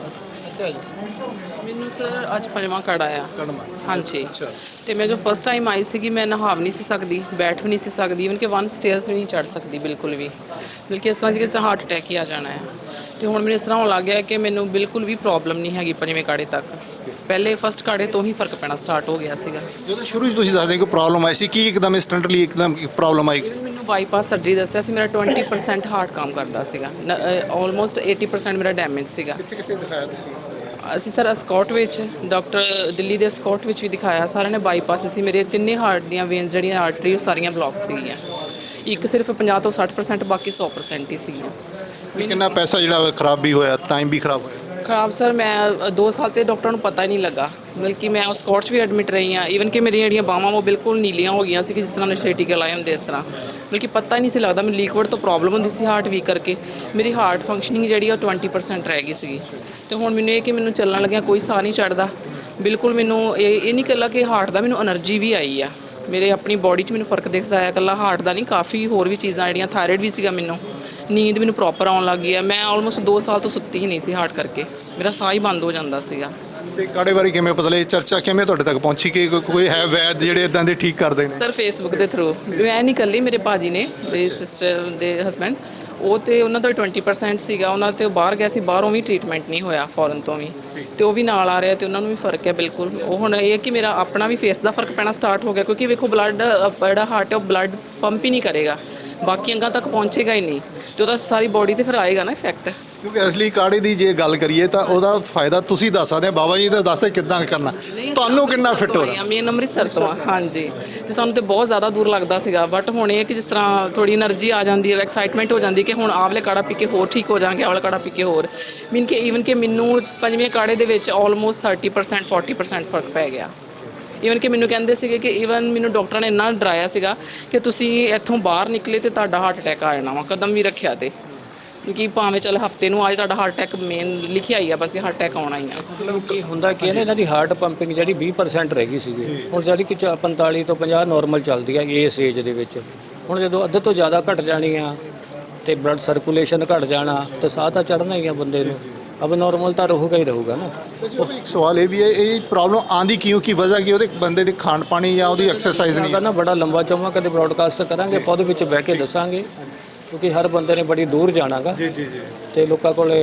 [SPEAKER 2] ਮੈਨੂੰ ਸਰ ਅੱਜ 5ਵਾਂ ਕਾੜਾ ਆ। ਹਾਂਜੀ। ਤੇ ਮੈਂ ਜੋ ਫਸਟ ਟਾਈਮ ਆਈ ਸੀਗੀ, ਮੈਂ ਨਹਾ ਵੀ ਨਹੀਂ ਸੀ ਸਕਦੀ, ਬੈਠ ਵੀ ਨਹੀਂ ਸੀ ਸਕਦੀ, ਇਵਨ ਕਿ 1 ਸਟੇਅਰਸ ਵੀ ਨਹੀਂ ਚੜ੍ਹ ਸਕਦੀ ਬਿਲਕੁਲ ਵੀ, ਬਲਕਿ ਇਸ ਤਰ੍ਹਾਂ ਸੀ ਕਿ ਇਸ ਤਰ੍ਹਾਂ ਹਾਰਟ ਅਟੈਕ ਹੀ ਆ ਜਾਣਾ ਹੈ। ਤੇ ਹੁਣ ਮੈਨੂੰ ਇਸ ਤਰ੍ਹਾਂ ਹੋਣ ਲੱਗ ਗਿਆ ਕਿ ਮੈਨੂੰ ਬਿਲਕੁਲ ਵੀ ਪ੍ਰੋਬਲਮ ਨਹੀਂ ਹੈਗੀ 5ਵੇਂ ਕਾੜੇ ਤੱਕ। ਪਹਿਲੇ ਫਸਟ ਕਾੜੇ ਤੋਂ ਹੀ ਫਰਕ ਪੈਣਾ ਸਟਾਰਟ ਹੋ ਗਿਆ ਸੀਗਾ।
[SPEAKER 3] ਜਦੋਂ ਸ਼ੁਰੂ 'ਚ ਤੁਸੀਂ ਦੱਸਦੇ ਕਿ ਪ੍ਰੋਬਲਮ ਆਈ ਸੀ, ਕੀ ਇੱਕਦਮ ਇੰਸਟੈਂਟਲੀ ਇੱਕਦਮ ਪ੍ਰੋਬਲਮ ਆਈ?
[SPEAKER 2] ਮੈਨੂੰ ਬਾਈਪਾਸ ਸਰਜਰੀ ਦੱਸਿਆ ਸੀ, ਮੇਰਾ 20% ਹਾਰਟ ਕੰਮ ਕਰਦਾ ਸੀਗਾ, ਆਲਮੋਸਟ 80% ਮੇਰਾ ਡੈਮੇਜ ਸੀਗਾ।
[SPEAKER 3] ਕਿੱਥੇ ਦਿਖਾਇਆ ਤੁਸੀਂ?
[SPEAKER 2] ਅਸੀਂ ਸਰ ਅਸਕੌਟ ਵਿੱਚ, ਡਾਕਟਰ ਦਿੱਲੀ ਦੇ ਅਸਕੌਟ ਵਿੱਚ ਵੀ ਦਿਖਾਇਆ, ਸਾਰਿਆਂ ਨੇ ਬਾਈਪਾਸ ਸੀ। ਮੇਰੇ ਤਿੰਨੇ ਹਾਰਟ ਦੀਆਂ ਵੇਨਸ ਜਿਹੜੀਆਂ ਆਰਟਰੀ ਉਹ ਸਾਰੀਆਂ ਬਲੌਕ ਸੀਗੀਆਂ, ਇੱਕ ਸਿਰਫ 50 ਤੋਂ 60%, ਬਾਕੀ 100% ਹੀ ਸੀਗੀਆਂ।
[SPEAKER 3] ਕਿੰਨਾ ਪੈਸਾ ਜਿਹੜਾ ਖਰਾਬ ਵੀ ਹੋਇਆ, ਟਾਈਮ ਵੀ ਖਰਾਬ ਹੋਇਆ?
[SPEAKER 2] ਖਰਾਬ ਸਰ, ਮੈਂ 2 ਸਾਲ ਤੇ ਡਾਕਟਰ ਨੂੰ ਪਤਾ ਹੀ ਨਹੀਂ ਲੱਗਾ, ਬਲਕਿ ਮੈਂ ਉਸ ਕੋਰਟ 'ਚ ਵੀ ਐਡਮਿਟ ਰਹੀ ਹਾਂ। ਈਵਨ ਕਿ ਮੇਰੀਆਂ ਜਿਹੜੀਆਂ ਬਾਹਾਂ ਉਹ ਬਿਲਕੁਲ ਨੀਲੀਆਂ ਹੋ ਗਈਆਂ ਸੀ ਕਿ ਜਿਸ ਤਰ੍ਹਾਂ ਨਸ਼ੇ ਟੀਕੇ ਲਾਏ ਹੁੰਦੇ ਇਸ ਤਰ੍ਹਾਂ, ਬਲਕਿ ਪਤਾ ਹੀ ਨਹੀਂ ਸੀ ਲੱਗਦਾ। ਮੈਨੂੰ ਲਿਕਵਿਡ ਤੋਂ ਪ੍ਰੋਬਲਮ ਹੁੰਦੀ ਸੀ ਹਾਰਟ ਵੀਕ ਕਰਕੇ, ਮੇਰੀ ਹਾਰਟ ਫੰਕਸ਼ਨਿੰਗ ਜਿਹੜੀ ਉਹ 20% ਰਹਿ ਗਈ ਸੀਗੀ। ਤੇ ਹੁਣ ਮੈਨੂੰ ਇਹ ਕਿ ਮੈਨੂੰ ਚੱਲਣ ਲੱਗਿਆ ਕੋਈ ਸਾਹ ਨਹੀਂ ਚੜਦਾ ਬਿਲਕੁਲ। ਮੈਨੂੰ ਇਹ ਨਹੀਂ ਇਕੱਲਾ ਕਿ ਹਾਰਟ ਦਾ, ਮੈਨੂੰ એનર્ਜੀ ਵੀ ਆਈ ਆ, ਮੇਰੇ ਆਪਣੀ ਬੋਡੀ 'ਚ ਮੈਨੂੰ ਫਰਕ ਦਿਖਦਾ ਹੈ, ਇਕੱਲਾ ਹਾਰਟ ਦਾ ਨਹੀਂ, ਕਾਫੀ ਹੋਰ ਵੀ ਚੀਜ਼ਾਂ ਜਿਹੜੀਆਂ, ਥਾਇਰਾਇਡ ਵੀ ਸੀਗਾ ਮੈਨੂੰ, ਨੀਂਦ ਮੈਨੂੰ ਪ੍ਰੋਪਰ ਆਉਣ ਲੱਗ ਗਈ ਹੈ। ਮੈਂ ਆਲਮੋਸਟ 2 ਸਾਲ ਤੋਂ ਸੁੱਤੀ ਹੀ ਨਹੀਂ ਸੀ ਹਾਰਟ ਕਰਕੇ, ਮੇਰਾ ਸਾਹ ਹੀ ਬੰਦ ਹੋ ਜਾਂਦਾ ਸੀਗਾ।
[SPEAKER 3] ਤੇ ਕਾੜੇ ਬਾਰੇ ਕਿਵੇਂ ਪਤਾ ਲੱਗਿਆ, ਚਰਚਾ ਕਿਵੇਂ ਤੁਹਾਡੇ ਤੱਕ ਪਹੁੰਚੀ ਕਿ ਕੋਈ ਹੈ ਵੈਦ ਜਿਹੜੇ ਇਦਾਂ ਦੇ ਠੀਕ ਕਰਦੇ ਨੇ?
[SPEAKER 2] ਸਰ ਫੇਸਬੁੱਕ ਦੇ ਥਰੂ, ਮੈਂ ਨਹੀਂ ਇਕੱਲੀ, ਮੇਰੇ ਭਾਜੀ ਨੇ, ਮੇਰੀ ਸਿਸਟਰ ਦੇ ਹਸਬੈਂਡ, ਉਹ ਤੇ ਉਹਨਾਂ ਦਾ 20% ਸੀਗਾ, ਉਹਨਾਂ ਤੇ ਉਹ ਬਾਹਰ ਗਿਆ ਸੀ, ਬਾਹਰੋਂ ਵੀ ਟ੍ਰੀਟਮੈਂਟ ਨਹੀਂ ਹੋਇਆ, ਫੋਰਨ ਤੋਂ ਵੀ, ਤੇ ਉਹ ਵੀ ਨਾਲ ਆ ਰਿਹਾ ਤੇ ਉਹਨਾਂ ਨੂੰ ਵੀ ਫਰਕ ਹੈ ਬਿਲਕੁਲ। ਉਹ ਹੁਣ ਇਹ ਕਿ ਮੇਰਾ ਆਪਣਾ ਵੀ ਫੇਸ ਦਾ ਫਰਕ ਪੈਣਾ ਸਟਾਰਟ ਹੋ ਗਿਆ, ਕਿਉਂਕਿ ਵੇਖੋ ਬਲੱਡ ਜਿਹੜਾ ਹਾਰਟ ਹੈ ਉਹ ਬਲੱਡ ਪੰਪ ਹੀ ਨਹੀਂ ਕਰੇਗਾ, ਬਾਕੀ ਅੰਗਾਂ ਤੱਕ ਪਹੁੰਚੇਗਾ ਹੀ ਨਹੀਂ, ਤੇ ਉਹਦਾ ਸਾਰੀ ਬੋਡੀ ਤੇ ਫਿਰ ਆਏਗਾ ਨਾ ਇਫੈਕਟ।
[SPEAKER 3] ਕਿਉਂਕਿ ਅਸਲੀ ਕਾੜੇ ਦੀ ਜੇ ਗੱਲ ਕਰੀਏ ਤਾਂ ਉਹਦਾ ਫਾਇਦਾ ਤੁਸੀਂ ਦੱਸ ਸਕਦੇ, ਬਾਬਾ ਜੀ ਦਾ ਦੱਸਦੇ ਕਿੱਦਾਂ ਕਰਨਾ, ਤੁਹਾਨੂੰ ਕਿੰਨਾ ਫਿੱਟ ਹੋ ਰਿਹਾ?
[SPEAKER 2] ਮੇਨ ਅੰਮ੍ਰਿਤਸਰ ਤੋਂ ਆ, ਹਾਂਜੀ। ਤੇ ਸਾਨੂੰ ਤੇ ਬਹੁਤ ਜ਼ਿਆਦਾ ਦੂਰ ਲੱਗਦਾ ਸੀਗਾ, ਬਟ ਹੁਣ ਇਹ ਕਿ ਜਿਸ ਤਰ੍ਹਾਂ ਥੋੜੀ એનર્ਜੀ ਆ ਜਾਂਦੀ ਹੈ, ਐਕਸਾਈਟਮੈਂਟ ਹੋ ਜਾਂਦੀ ਕਿ ਹੁਣ ਆਵਲੇ ਕਾੜਾ ਪੀ ਕੇ ਹੋਰ ਠੀਕ ਹੋ ਜਾਵਾਂਗੇ, ਆਵਲਾ ਕਾੜਾ ਪੀ ਕੇ ਹੋਰ। ਮੀਨ ਕਿ ਈਵਨ ਕਿ ਮੈਨੂੰ 5ਵੇਂ ਕਾੜੇ ਦੇ ਵਿੱਚ ਆਲਮੋਸਟ 30% 40% ਫਰਕ ਪੈ ਗਿਆ। ਈਵਨ ਕਿ ਮੈਨੂੰ ਕਹਿੰਦੇ ਸੀਗੇ ਕਿ ਈਵਨ ਮੈਨੂੰ ਡਾਕਟਰਾਂ ਨੇ ਇੰਨਾ ਡਰਾਇਆ ਸੀਗਾ ਕਿ ਤੁਸੀਂ ਇੱਥੋਂ ਬਾਹਰ ਨਿਕਲੇ ਤੇ ਤੁਹਾਡਾ ਹਾਰਟ ਅਟੈਕ ਆ ਜਾਣਾ ਵਾ, ਕਦਮ ਵੀ ਰੱਖਿਆ ਤੇ, ਕਿਉਂਕਿ ਭਾਵੇਂ ਚੱਲ ਹਫਤੇ ਨੂੰ ਅੱਜ ਤੁਹਾਡਾ ਹਾਰਟ ਅਟੈਕ ਮੇਨ ਲਿਖਿਆ ਹੀ ਆ, ਬਸ ਕਿ ਹਾਰਟ ਅਟੈਕ ਆਉਣਾ ਹੀ ਆ।
[SPEAKER 1] ਮਤਲਬ ਕੀ ਹੁੰਦਾ ਕੀ ਹੈ ਨਾ, ਇਹਨਾਂ ਦੀ ਹਾਰਟ ਪੰਪਿੰਗ ਜਿਹੜੀ 20% ਰਹਿ ਗਈ ਸੀਗੀ, ਹੁਣ ਜਿਹੜੀ ਕਿ 45 ਤੋਂ 50 ਨਾਰਮਲ ਚੱਲਦੀ ਹੈ ਇਸ ਏਜ ਦੇ ਵਿੱਚ। ਹੁਣ ਜਦੋਂ ਅੱਧੇ ਤੋਂ ਜ਼ਿਆਦਾ ਘਟ ਜਾਣੀ ਆ ਤੇ ਬਲੱਡ ਸਰਕੂਲੇਸ਼ਨ ਘਟ ਜਾਣਾ, ਤੇ ਸਾਹ ਤਾਂ ਚੜ੍ਹਨਾ ਹੀ ਆ ਬੰਦੇ ਨੂੰ, ਅਬ ਨਾਰਮਲ ਤਾਂ ਰਹੂਗਾ ਹੀ ਰਹੂਗਾ ਨਾ।
[SPEAKER 3] ਇੱਕ ਸਵਾਲ ਇਹ ਵੀ ਹੈ, ਇਹ ਪ੍ਰੋਬਲਮ ਆਂਦੀ ਕਿਉਂ, ਕੀ ਵਜ੍ਹਾ ਕੀ, ਉਹਦੇ ਬੰਦੇ ਦੇ ਖਾਣ ਪਾਣੀ ਜਾਂ ਉਹਦੀ ਐਕਸਰਸਾਈਜ਼ ਨਹੀਂ?
[SPEAKER 1] ਨਾ ਬੜਾ ਲੰਬਾ ਚੌਮਾ ਕਦੇ ਬ੍ਰੌਡਕਾਸਟ ਕਰਾਂਗੇ, ਆਪਾਂ ਉਹਦੇ ਵਿੱਚ ਬਹਿ ਕੇ ਦੱਸਾਂਗੇ, ਕਿਉਂਕਿ ਹਰ ਬੰਦੇ ਨੇ ਬੜੀ ਦੂਰ ਜਾਣਾਗਾ।
[SPEAKER 3] ਜੀ ਜੀ ਜੀ।
[SPEAKER 1] ਤੇ ਲੋਕਾਂ ਕੋਲੇ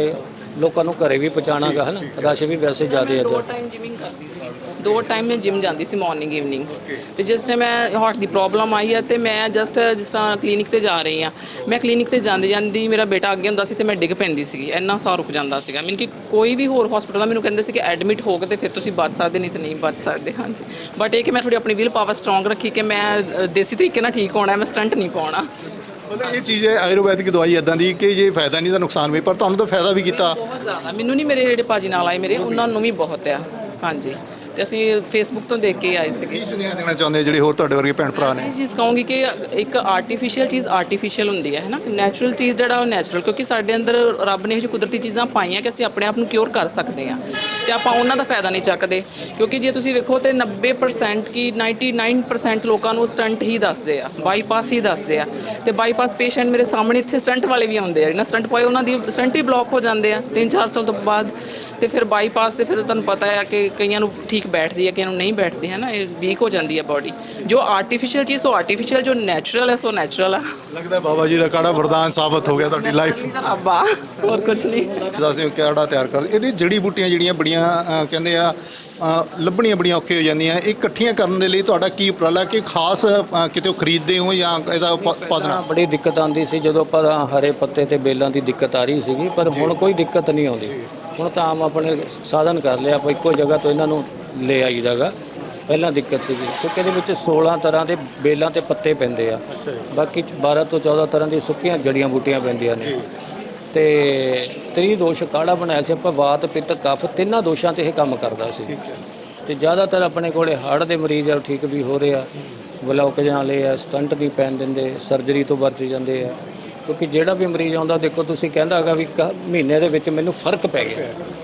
[SPEAKER 1] ਲੋਕਾਂ ਨੂੰ ਘਰੇ ਵੀ ਪਹੁੰਚਾਉਣਾਗਾ ਹੈ ਨਾ, ਰਸ਼ ਵੀ ਵੈਸੇ ਜ਼ਿਆਦਾ ਹੈ
[SPEAKER 2] 2 ਟਾਈਮ ਜਿਮਿੰਗ ਕਰਦੀ ਸੀ, 2 ਟਾਈਮ ਮੈਂ ਜਿਮ ਜਾਂਦੀ ਸੀ, ਮਾਰਨਿੰਗ ਈਵਨਿੰਗ। ਤੇ ਜਿਸ ਟਾਈਮ ਮੈਂ ਹਾਰਟ ਦੀ ਪ੍ਰੋਬਲਮ ਆਈ ਹੈ ਤੇ ਮੈਂ ਜਸਟ ਜਿਸ ਤਰ੍ਹਾਂ ਕਲੀਨਿਕ ਤੇ ਜਾ ਰਹੀ ਹਾਂ, ਮੈਂ ਕਲੀਨਿਕ ਤੇ ਜਾਂਦੀ ਜਾਂਦੀ ਮੇਰਾ ਬੇਟਾ ਅੱਗੇ ਹੁੰਦਾ ਸੀ ਤੇ ਮੈਂ ਡਿੱਗ ਪੈਂਦੀ ਸੀਗੀ, ਇੰਨਾ ਸਾਹ ਰੁਕ ਜਾਂਦਾ ਸੀਗਾ। ਮੀਨ ਕਿ ਕੋਈ ਵੀ ਹੋਰ ਹਸਪੀਟਲ ਮੈਨੂੰ ਕਹਿੰਦੇ ਸੀ ਕਿ ਐਡਮਿਟ ਹੋ ਕੇ ਤੇ ਫਿਰ ਤੁਸੀਂ ਬਚ ਸਕਦੇ, ਨਹੀਂ ਤੇ ਨਹੀਂ ਬਚ ਸਕਦੇ। ਹਾਂਜੀ, ਬਟ ਇਹ ਕਿ ਮੈਂ ਥੋੜੀ ਆਪਣੀ ਵਿਲ ਪਾਵਰ ਸਟਰੋਂਗ ਰੱਖੀ ਕਿ ਮੈਂ ਦੇਸੀ ਤਰੀਕੇ ਨਾਲ ਠੀਕ ਹੋਣਾ, ਮੈਂ ਸਟੰਟ ਨਹੀਂ ਪਾਉਣਾ।
[SPEAKER 3] ਮਤਲਬ ਇਹ ਚੀਜ਼ ਹੈ ਆਯੁਰਵੈਦਿਕ ਦਵਾਈ ਇਦਾਂ ਦੀ ਕਿ ਜੇ ਫਾਇਦਾ ਨਹੀਂ ਤਾਂ ਨੁਕਸਾਨ ਵੀ, ਪਰ ਤੁਹਾਨੂੰ ਤਾਂ ਫਾਇਦਾ ਵੀ ਕੀਤਾ।
[SPEAKER 2] ਬਹੁਤ ਜ਼ਿਆਦਾ, ਮੈਨੂੰ ਨਹੀਂ, ਮੇਰੇ ਜਿਹੜੇ ਭਾਜੀ ਨਾਲ ਆਏ ਮੇਰੇ, ਉਹਨਾਂ ਨੂੰ ਵੀ ਬਹੁਤ ਆ। ਹਾਂਜੀ, ਤੇ ਅਸੀਂ ਫੇਸਬੁੱਕ ਤੋਂ ਦੇਖ ਕੇ ਆਏ ਸੀਗੇ।
[SPEAKER 3] ਕੀ ਸੁਨੇਹਾ ਦੇਣਾ ਚਾਹੁੰਦੇ ਜਿਹੜੇ ਹੋਰ ਤੁਹਾਡੇ ਵਰਗੇ ਭੈਣ ਭਰਾ ਨੇ?
[SPEAKER 2] ਇਹ ਚੀਜ਼ ਕਹੂੰਗੀ ਕਿ ਇੱਕ ਆਰਟੀਫੀਸ਼ੀਅਲ ਚੀਜ਼ ਆਰਟੀਫੀਸ਼ੀਅਲ ਹੁੰਦੀ ਹੈ ਨਾ, ਨੈਚੁਰਲ ਚੀਜ਼ ਜਿਹੜਾ ਉਹ ਨੈਚੁਰਲ, ਕਿਉਂਕਿ ਸਾਡੇ ਅੰਦਰ ਰੱਬ ਨੇ ਇਹੋ ਜਿਹੀ ਕੁਦਰਤੀ ਚੀਜ਼ਾਂ ਪਾਈਆਂ ਕਿ ਅਸੀਂ ਆਪਣੇ ਆਪ ਨੂੰ ਕਿਉਰ ਕਰ ਸਕਦੇ ਹਾਂ ਤੇ ਆਪਾਂ ਉਹਨਾਂ ਦਾ ਫਾਇਦਾ ਨਹੀਂ ਚੱਕਦੇ। ਕਿਉਂਕਿ ਜੇ ਤੁਸੀਂ ਵੇਖੋ ਤੇ 90% ਕੀ 99% ਲੋਕਾਂ ਨੂੰ ਸਟੰਟ ਹੀ ਦੱਸਦੇ ਆ, ਬਾਈਪਾਸ ਹੀ ਦੱਸਦੇ ਆ। ਤੇ ਬਾਈਪਾਸ ਪੇਸ਼ੈਂਟ ਮੇਰੇ ਸਾਹਮਣੇ ਇੱਥੇ ਸਟੰਟ ਵਾਲੇ ਵੀ ਆਉਂਦੇ ਆ, ਜਿਹਨਾਂ ਸਟੰਟ ਪਾਏ ਉਹਨਾਂ ਦੀ ਸਟੰਟ ਹੀ ਬਲੌਕ ਹੋ ਜਾਂਦੇ ਆ 3-4 ਸਾਲ ਤੋਂ ਬਾਅਦ। ਤੇ ਫਿਰ ਬਾਈਪਾਸ ਤੇ ਫਿਰ ਤੁਹਾਨੂੰ ਪਤਾ ਹੈ ਕਿ ਕਈਆਂ ਨੂੰ ਠੀਕ ਬੈਠਦੀ ਹੈ, ਕਈਆਂ ਨੂੰ ਨਹੀਂ ਬੈਠਦੀ ਹੈ ਨਾ, ਇਹ ਵੀਕ ਹੋ ਜਾਂਦੀ ਹੈ ਬਾਡੀ। ਜੋ ਆਰਟੀਫੀਸ਼ੀਅਲ ਚੀਜ਼ ਉਹ ਆਰਟੀਫੀਸ਼ੀਅਲ, ਜੋ ਨੈਚੁਰਲ ਹੈ ਸੋ ਨੈਚੁਰਲ ਆ।
[SPEAKER 3] ਲੱਗਦਾ ਬਾਬਾ ਜੀ ਦਾ ਕਾੜਾ ਵਰਦਾਨ ਸਾਬਤ ਹੋ ਗਿਆ ਤੁਹਾਡੀ ਲਾਈਫ।
[SPEAKER 2] ਰੱਬ ਆ, ਹੋਰ ਕੁਝ ਨਹੀਂ।
[SPEAKER 3] ਦੱਸਿਓ ਕਾੜਾ ਤਿਆਰ ਕਰ, ਇਹਦੀ ਜੜੀ ਬੂਟੀਆਂ ਜਿਹੜੀਆਂ ਬੜੀਆਂ ਕਹਿੰਦੇ ਆ ਲੱਭਣੀਆਂ ਬੜੀਆਂ ਔਖੀਆਂ ਹੋ ਜਾਂਦੀਆਂ, ਇਹ ਇਕੱਠੀਆਂ ਕਰਨ ਦੇ ਲਈ ਤੁਹਾਡਾ ਕੀ ਉਪਰਾਲਾ ਕਿ ਖਾਸ ਕਿਤੇ ਖਰੀਦਦੇ ਹੋ ਜਾਂ ਇਹਦਾ ਉਤਪਾਦਨ?
[SPEAKER 1] ਬੜੀ ਦਿੱਕਤ ਆਉਂਦੀ ਸੀ ਜਦੋਂ ਆਪਾਂ ਹਰੇ ਪੱਤੇ ਤੇ ਬੇਲਾਂ ਦੀ ਦਿੱਕਤ ਆ ਰਹੀ ਸੀਗੀ, ਪਰ ਹੁਣ ਕੋਈ ਦਿੱਕਤ ਨਹੀਂ ਆਉਂਦੀ। ਹੁਣ ਤਾਂ ਆਮ ਆਪਣੇ ਸਾਧਨ ਕਰ ਲਿਆ, ਆਪਾਂ ਇੱਕੋ ਜਗ੍ਹਾ ਤੋਂ ਇਹਨਾਂ ਨੂੰ ਲੈ ਆਈਦਾਗਾ। ਪਹਿਲਾਂ ਦਿੱਕਤ ਸੀਗੀ ਕਿਉਂਕਿ ਇਹਦੇ ਵਿੱਚ 16 ਤਰ੍ਹਾਂ ਦੇ ਬੇਲਾਂ ਤੇ ਪੱਤੇ ਪੈਂਦੇ ਆ, ਬਾਕੀ 12 ਤੋਂ 14 ਤਰ੍ਹਾਂ ਦੀਆਂ ਸੁੱਕੀਆਂ ਜੜੀਆਂ ਬੂਟੀਆਂ ਪੈਂਦੀਆਂ ਨੇ। ਤੇ 30 ਦੋਸ਼ ਕਾੜਾ ਬਣਾਇਆ ਸੀ ਆਪਾਂ, ਵਾਤ ਪਿੱਤ ਕਫ ਤਿੰਨਾਂ ਦੋਸ਼ਾਂ ਤੇ ਇਹ ਕੰਮ ਕਰਦਾ ਸੀ। ਤੇ ਜ਼ਿਆਦਾਤਰ ਆਪਣੇ ਕੋਲੇ ਹਾਰਟ ਦੇ ਮਰੀਜ਼ ਆ, ਠੀਕ ਵੀ ਹੋ ਰਹੇ ਆ, ਬਲੌਕੇਜਾਂ ਵਾਲੇ ਆ, ਸਟੰਟ ਵੀ ਪੈਣ ਦਿੰਦੇ, ਸਰਜਰੀ ਤੋਂ ਬਚ ਜਾਂਦੇ ਆ। ਕਿਉਂਕਿ ਜਿਹੜਾ ਵੀ ਮਰੀਜ਼ ਆਉਂਦਾ ਦੇਖੋ ਤੁਸੀਂ ਕਹਿੰਦਾ ਹੈਗਾ ਵੀ ਮਹੀਨੇ ਦੇ ਵਿੱਚ ਮੈਨੂੰ ਫਰਕ ਪੈ ਗਿਆ,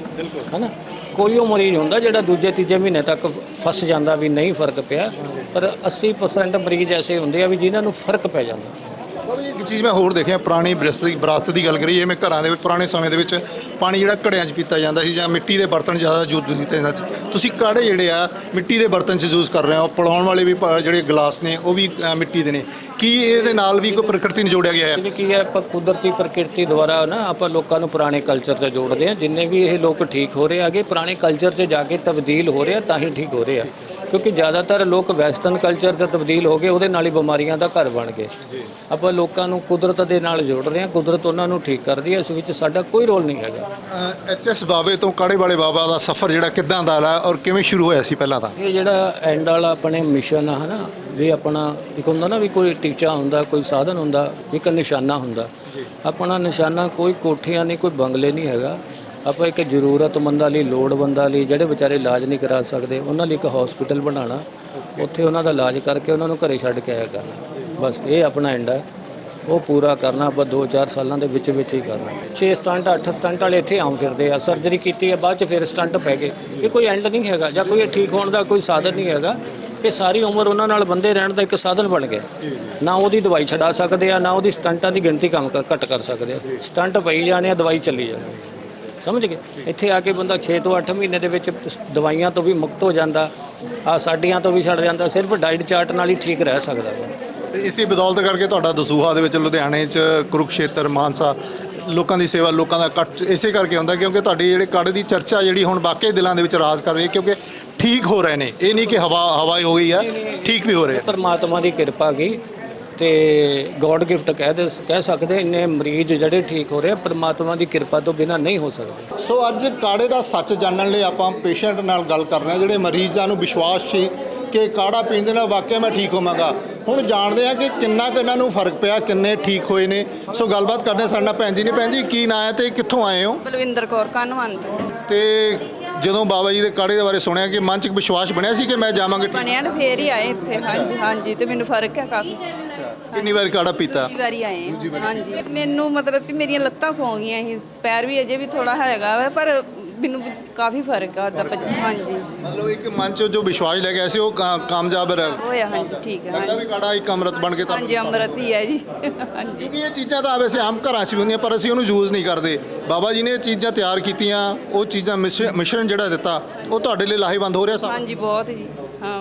[SPEAKER 1] ਹੈ ਨਾ। ਕੋਈ ਉਹ ਮਰੀਜ਼ ਹੁੰਦਾ ਜਿਹੜਾ ਦੂਜੇ ਤੀਜੇ ਮਹੀਨੇ ਤੱਕ ਫਸ ਜਾਂਦਾ ਵੀ ਨਹੀਂ ਫਰਕ ਪਿਆ, ਪਰ 80% ਮਰੀਜ਼ ਐਸੇ ਹੁੰਦੇ ਆ ਵੀ ਜਿਨ੍ਹਾਂ ਨੂੰ ਫਰਕ ਪੈ ਜਾਂਦਾ।
[SPEAKER 3] ਇੱਕ ਚੀਜ਼ ਮੈਂ ਹੋਰ ਦੇਖਿਆ, ਪੁਰਾਣੀ ਵਿਰਾਸਤ ਦੀ ਗੱਲ ਕਰੀਏ, ਮੈਂ ਘਰਾਂ ਦੇ ਵਿੱਚ ਪੁਰਾਣੇ ਸਮੇਂ ਦੇ ਵਿੱਚ ਪਾਣੀ ਜਿਹੜਾ ਘੜਿਆਂ 'ਚ ਪੀਤਾ ਜਾਂਦਾ ਸੀ ਜਾਂ ਮਿੱਟੀ ਦੇ ਬਰਤਨ ਜ਼ਿਆਦਾ ਯੂਜ਼ ਕੀਤੇ ਜਾਂਦੇ ਸੀ। ਤੁਸੀਂ ਕਾੜੇ ਜਿਹੜੇ ਆ ਮਿੱਟੀ ਦੇ ਬਰਤਨ 'ਚ ਯੂਜ਼ ਕਰ ਰਹੇ ਹੋ, ਪਿਲਾਉਣ ਵਾਲੇ ਵੀ ਜਿਹੜੇ ਗਲਾਸ ਨੇ ਉਹ ਵੀ ਮਿੱਟੀ ਦੇ ਨੇ। ਕੀ ਇਹਦੇ ਨਾਲ ਵੀ ਕੋਈ ਪ੍ਰਕਿਰਤੀ ਨੂੰ ਜੋੜਿਆ ਗਿਆ ਹੈ?
[SPEAKER 1] ਕੀ ਹੈ, ਆਪਾਂ ਕੁਦਰਤੀ ਪ੍ਰਕਿਰਤੀ ਦੁਆਰਾ ਨਾ ਆਪਾਂ ਲੋਕਾਂ ਨੂੰ ਪੁਰਾਣੇ ਕਲਚਰ 'ਤੇ ਜੋੜਦੇ ਹਾਂ। ਜਿੰਨੇ ਵੀ ਇਹ ਲੋਕ ਠੀਕ ਹੋ ਰਹੇ ਹੈਗੇ, ਪੁਰਾਣੇ ਕਲਚਰ 'ਚ ਜਾ ਕੇ ਤਬਦੀਲ ਹੋ ਰਿਹਾ ਤਾਂ ਹੀ ਠੀਕ ਹੋ ਰਹੇ ਆ। ਕਿਉਂਕਿ ਜ਼ਿਆਦਾਤਰ ਲੋਕ ਵੈਸਟਰਨ ਕਲਚਰ 'ਤੇ ਤਬਦੀਲ ਹੋ ਗਏ, ਉਹਦੇ ਨਾਲ ਹੀ ਬਿਮਾਰੀਆਂ ਦਾ ਘਰ ਬਣ ਗਏ। ਆਪਾਂ ਲੋਕਾਂ ਨੂੰ ਕੁਦਰਤ ਦੇ ਨਾਲ ਜੋੜ ਰਹੇ ਹਾਂ, ਕੁਦਰਤ ਉਹਨਾਂ ਨੂੰ ਠੀਕ ਕਰਦੀ ਹੈ, ਇਸ ਵਿੱਚ ਸਾਡਾ ਕੋਈ ਰੋਲ ਨਹੀਂ ਹੈਗਾ।
[SPEAKER 3] ਐਚਐਸ ਬਾਬੇ ਤੋਂ ਕਾੜੇ ਵਾਲੇ ਬਾਬਾ ਦਾ ਸਫ਼ਰ ਜਿਹੜਾ ਕਿੱਦਾਂ ਦਾ ਹੈ ਔਰ ਕਿਵੇਂ ਸ਼ੁਰੂ ਹੋਇਆ ਸੀ? ਪਹਿਲਾਂ ਤਾਂ
[SPEAKER 1] ਇਹ ਜਿਹੜਾ ਐਂਡ ਵਾਲਾ ਆਪਣੇ ਮਿਸ਼ਨ ਆ, ਹੈ ਨਾ, ਵੀ ਆਪਣਾ ਇੱਕ ਹੁੰਦਾ ਨਾ ਵੀ ਕੋਈ ਟੀਚਾ ਹੁੰਦਾ, ਕੋਈ ਸਾਧਨ ਹੁੰਦਾ, ਇੱਕ ਨਿਸ਼ਾਨਾ ਹੁੰਦਾ। ਆਪਣਾ ਨਿਸ਼ਾਨਾ ਕੋਈ ਕੋਠੀਆਂ ਨਹੀਂ, ਕੋਈ ਬੰਗਲੇ ਨਹੀਂ ਹੈਗਾ। ਆਪਾਂ ਇੱਕ ਜ਼ਰੂਰਤਮੰਦਾਂ ਲਈ, ਲੋੜਵੰਦਾਂ ਲਈ, ਜਿਹੜੇ ਵਿਚਾਰੇ ਇਲਾਜ ਨਹੀਂ ਕਰਾ ਸਕਦੇ, ਉਹਨਾਂ ਲਈ ਇੱਕ ਹਸਪੀਟਲ ਬਣਾਉਣਾ, ਉੱਥੇ ਉਹਨਾਂ ਦਾ ਇਲਾਜ ਕਰਕੇ ਉਹਨਾਂ ਨੂੰ ਘਰੇ ਛੱਡ ਕੇ ਆਇਆ ਕਰਨਾ। ਬਸ ਇਹ ਆਪਣਾ ਐਂਡ ਹੈ, ਉਹ ਪੂਰਾ ਕਰਨਾ ਆਪਾਂ 2-4 ਸਾਲਾਂ ਦੇ ਵਿੱਚ ਹੀ ਕਰਨਾ। 6 ਸਟੰਟ 8 ਸਟੰਟ ਵਾਲੇ ਇੱਥੇ ਆਮ ਫਿਰਦੇ ਆ, ਸਰਜਰੀ ਕੀਤੀ ਹੈ ਬਾਅਦ 'ਚ ਫਿਰ ਸਟੰਟ ਪੈ ਗਏ। ਇਹ ਕੋਈ ਐਂਡ ਨਹੀਂ ਹੈਗਾ, ਜਾਂ ਕੋਈ ਠੀਕ ਹੋਣ ਦਾ ਕੋਈ ਸਾਧਨ ਨਹੀਂ ਹੈਗਾ। ਇਹ ਸਾਰੀ ਉਮਰ ਉਹਨਾਂ ਨਾਲ ਬੰਦੇ ਰਹਿਣ ਦਾ ਇੱਕ ਸਾਧਨ ਬਣ ਗਿਆ। ਨਾ ਉਹਦੀ ਦਵਾਈ ਛਡਾ ਸਕਦੇ ਆ, ਨਾ ਉਹਦੀ ਸਟੰਟਾਂ ਦੀ ਗਿਣਤੀ ਘੱਟ ਕਰ ਸਕਦੇ ਆ। ਸਟੰਟ ਪਈ ਜਾਣੇ ਆ, ਦਵਾਈ ਚੱਲੀ ਜਾਣੀ, ਸਮਝ ਗਏ। ਇੱਥੇ ਆ ਕੇ ਬੰਦਾ 6 ਤੋਂ 8 ਮਹੀਨੇ ਦੇ ਵਿੱਚ ਦਵਾਈਆਂ ਤੋਂ ਵੀ ਮੁਕਤ ਹੋ ਜਾਂਦਾ, ਆ ਸਾਡੀਆਂ ਤੋਂ ਵੀ ਛੱਡ ਜਾਂਦਾ, ਸਿਰਫ ਡਾਈਟ ਚਾਰਟ ਨਾਲ ਹੀ ਠੀਕ ਰਹਿ ਸਕਦਾ ਹੈ।
[SPEAKER 3] ਤੇ ਇਸੇ ਬਦੌਲਤ ਕਰਕੇ ਤੁਹਾਡਾ ਦਸੂਹਾ ਦੇ ਵਿੱਚ, ਲੁਧਿਆਣੇ 'ਚ, ਕੁਰੂਕਸ਼ੇਤਰ, ਮਾਨਸਾ, ਲੋਕਾਂ ਦੀ ਸੇਵਾ, ਲੋਕਾਂ ਦਾ ਇਕੱਠ ਇਸੇ ਕਰਕੇ ਹੁੰਦਾ ਕਿਉਂਕਿ ਤੁਹਾਡੀ ਜਿਹੜੇ ਕਾੜੇ ਦੀ ਚਰਚਾ ਜਿਹੜੀ ਹੁਣ ਵਾਕਈ ਦਿਲਾਂ ਦੇ ਵਿੱਚ ਰਾਜ ਕਰ ਰਹੀ ਹੈ, ਕਿਉਂਕਿ ਠੀਕ ਹੋ ਰਹੇ ਨੇ। ਇਹ ਨਹੀਂ ਕਿ ਹਵਾ ਹੋ ਗਈ ਆ, ਠੀਕ ਵੀ ਹੋ ਰਹੇ।
[SPEAKER 1] ਪਰਮਾਤਮਾ ਦੀ ਕਿਰਪਾ ਗਈ ਤੇ ਗੋਡ ਗਿਫਟ ਕਹਿ ਸਕਦੇ। ਇੰਨੇ ਮਰੀਜ਼ ਜਿਹੜੇ ਠੀਕ ਹੋ ਰਹੇ ਆ, ਪਰਮਾਤਮਾ ਦੀ ਕਿਰਪਾ ਤੋਂ ਬਿਨਾਂ ਨਹੀਂ ਹੋ ਸਕਦੇ।
[SPEAKER 3] ਸੋ ਅੱਜ ਕਾੜੇ ਦਾ ਸੱਚ ਜਾਣਨ ਲਈ ਆਪਾਂ ਪੇਸ਼ੈਂਟ ਨਾਲ ਗੱਲ ਕਰ ਰਹੇ ਹਾਂ, ਜਿਹੜੇ ਮਰੀਜ਼ਾਂ ਨੂੰ ਵਿਸ਼ਵਾਸ ਸੀ ਕਿ ਕਾੜਾ ਪੀਣ ਦੇ ਨਾਲ ਵਾਕਿਆ ਮੈਂ ਠੀਕ ਹੋਵਾਂਗਾ। ਹੁਣ ਜਾਣਦੇ ਆ ਕਿ ਕਿੰਨਾ ਕੁ ਇਹਨਾਂ ਨੂੰ ਫਰਕ ਪਿਆ, ਕਿੰਨੇ ਠੀਕ ਹੋਏ ਨੇ। ਸੋ ਗੱਲਬਾਤ ਕਰਦੇ ਹਾਂ ਸਾਡੇ ਨਾਲ ਭੈਣ ਜੀ ਨੇ। ਭੈਣ ਜੀ ਕੀ ਨਾਂ ਹੈ ਤੇ ਕਿੱਥੋਂ ਆਏ ਹੋ?
[SPEAKER 4] ਬਲਵਿੰਦਰ ਕੌਰ ਕਾਨਵੰਤ।
[SPEAKER 3] ਤੇ ਜਦੋਂ ਬਾਬਾ ਜੀ ਦੇ ਕਾੜੇ ਦੇ ਬਾਰੇ ਸੁਣਿਆ ਕਿ ਮਨ 'ਚ ਵਿਸ਼ਵਾਸ ਬਣਿਆ ਸੀ ਕਿ ਮੈਂ ਜਾਵਾਂਗਾ?
[SPEAKER 4] ਬਣਿਆ ਤੇ ਫੇਰ ਹੀ ਆਏ ਇੱਥੇ। ਹਾਂਜੀ ਹਾਂਜੀ, ਤੇ ਮੈਨੂੰ ਫਰਕ ਹੈ ਕਾਫੀ।
[SPEAKER 3] ਕਿੰਨੀ ਵਾਰ ਕਾੜਾ ਪੀਤਾ?
[SPEAKER 4] ਦੂਜੀ ਵਾਰੀ ਆਏ ਹਾਂ। ਹਾਂਜੀ, ਮੈਨੂੰ ਮਤਲਬ ਕਿ ਮੇਰੀਆਂ ਲੱਤਾਂ ਸੌਂ ਗਈਆਂ ਸੀ, ਪੈਰ ਵੀ ਅਜੇ ਵੀ ਥੋੜਾ ਹੈਗਾ ਵਾ, ਪਰ ਮੈਨੂੰ ਕਾਫੀ ਫਰਕ ਆ। ਹਾਂਜੀ,
[SPEAKER 3] ਮਤਲਬ ਇੱਕ ਮਨ 'ਚ ਜੋ ਵਿਸ਼ਵਾਸ ਲੈ ਗਿਆ ਸੀ ਉਹ ਕਾਮਯਾਬ
[SPEAKER 4] ਹੋਇਆ। ਹਾਂਜੀ ਠੀਕ ਹੈ।
[SPEAKER 3] ਲੱਗਦਾ ਵੀ ਕਾੜਾ ਇੱਕ ਅੰਮ੍ਰਿਤ ਬਣ ਕੇ ਤਾਂ।
[SPEAKER 4] ਹਾਂਜੀ, ਅੰਮ੍ਰਿਤ ਹੀ ਹੈ ਜੀ। ਹਾਂਜੀ,
[SPEAKER 3] ਕਿਉਂਕਿ ਇਹ ਚੀਜ਼ਾਂ ਤਾਂ ਵੈਸੇ ਆਮ ਘਰਾਂ 'ਚ ਵੀ ਹੁੰਦੀਆਂ, ਪਰ ਅਸੀਂ ਉਹਨੂੰ ਯੂਜ਼ ਨਹੀਂ ਕਰਦੇ। ਬਾਬਾ ਜੀ ਨੇ ਇਹ ਚੀਜ਼ਾਂ ਤਿਆਰ ਕੀਤੀਆਂ, ਉਹ ਚੀਜ਼ਾਂ ਮਿਸ਼ਰਣ ਜਿਹੜਾ ਦਿੱਤਾ, ਉਹ ਤੁਹਾਡੇ ਲਈ ਲਾਹੇਵੰਦ ਹੋ ਰਿਹਾ ਸਭ?
[SPEAKER 4] ਹਾਂਜੀ ਬਹੁਤ ਜੀ। ਹਾਂ,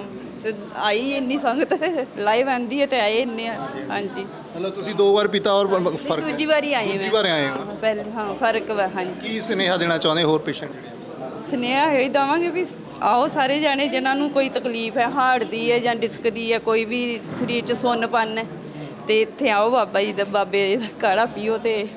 [SPEAKER 4] ਤੇ ਆਈ ਇੰਨੀ ਸੰਗਤ ਲਾਈਵ ਆਂਦੀ ਹੈ ਤੇ ਆਏ ਇੰਨੇ ਆ। ਹਾਂਜੀ
[SPEAKER 3] ਮਤਲਬ ਤੁਸੀਂ 2 ਵਾਰ ਪੀਤਾ ਔਰ ਫਰਕ ਹੈ?
[SPEAKER 4] ਦੂਜੀ ਵਾਰੀ ਆਏ
[SPEAKER 3] ਦੂਜੀ
[SPEAKER 4] ਮੈਂ
[SPEAKER 3] ਵਾਰ ਆਏ ਹੋ।
[SPEAKER 4] ਪਹਿਲੇ ਹਾਂ ਫਰਕ ਵਾ। ਹਾਂਜੀ
[SPEAKER 3] ਕੀ ਸੁਨੇਹਾ ਦੇਣਾ ਚਾਹੁੰਦੇ ਹੋਰ ਪੇਸ਼ੈਂਟ ਜਿਹੜੇ
[SPEAKER 4] ਸੁਨੇਹਾ ਇਹ ਦਵਾਂਗੇ ਵੀ ਆਓ ਸਾਰੇ ਜਾਣੇ ਜਿਨ੍ਹਾਂ ਨੂੰ ਕੋਈ ਤਕਲੀਫ ਹੈ ਹਾਰਟ ਦੀ ਹੈ ਜਾਂ ਡਿਸਕ ਦੀ ਹੈ, ਕੋਈ ਵੀ ਸਰੀਰ 'ਚ ਸੁੰਨਪਨ ਹੈ, ਤੇ ਇੱਥੇ ਆਓ ਬਾਬਾ ਜੀ ਦਾ ਬਾਬੇ ਦਾ ਕਾੜਾ ਪੀਓ ਤੇ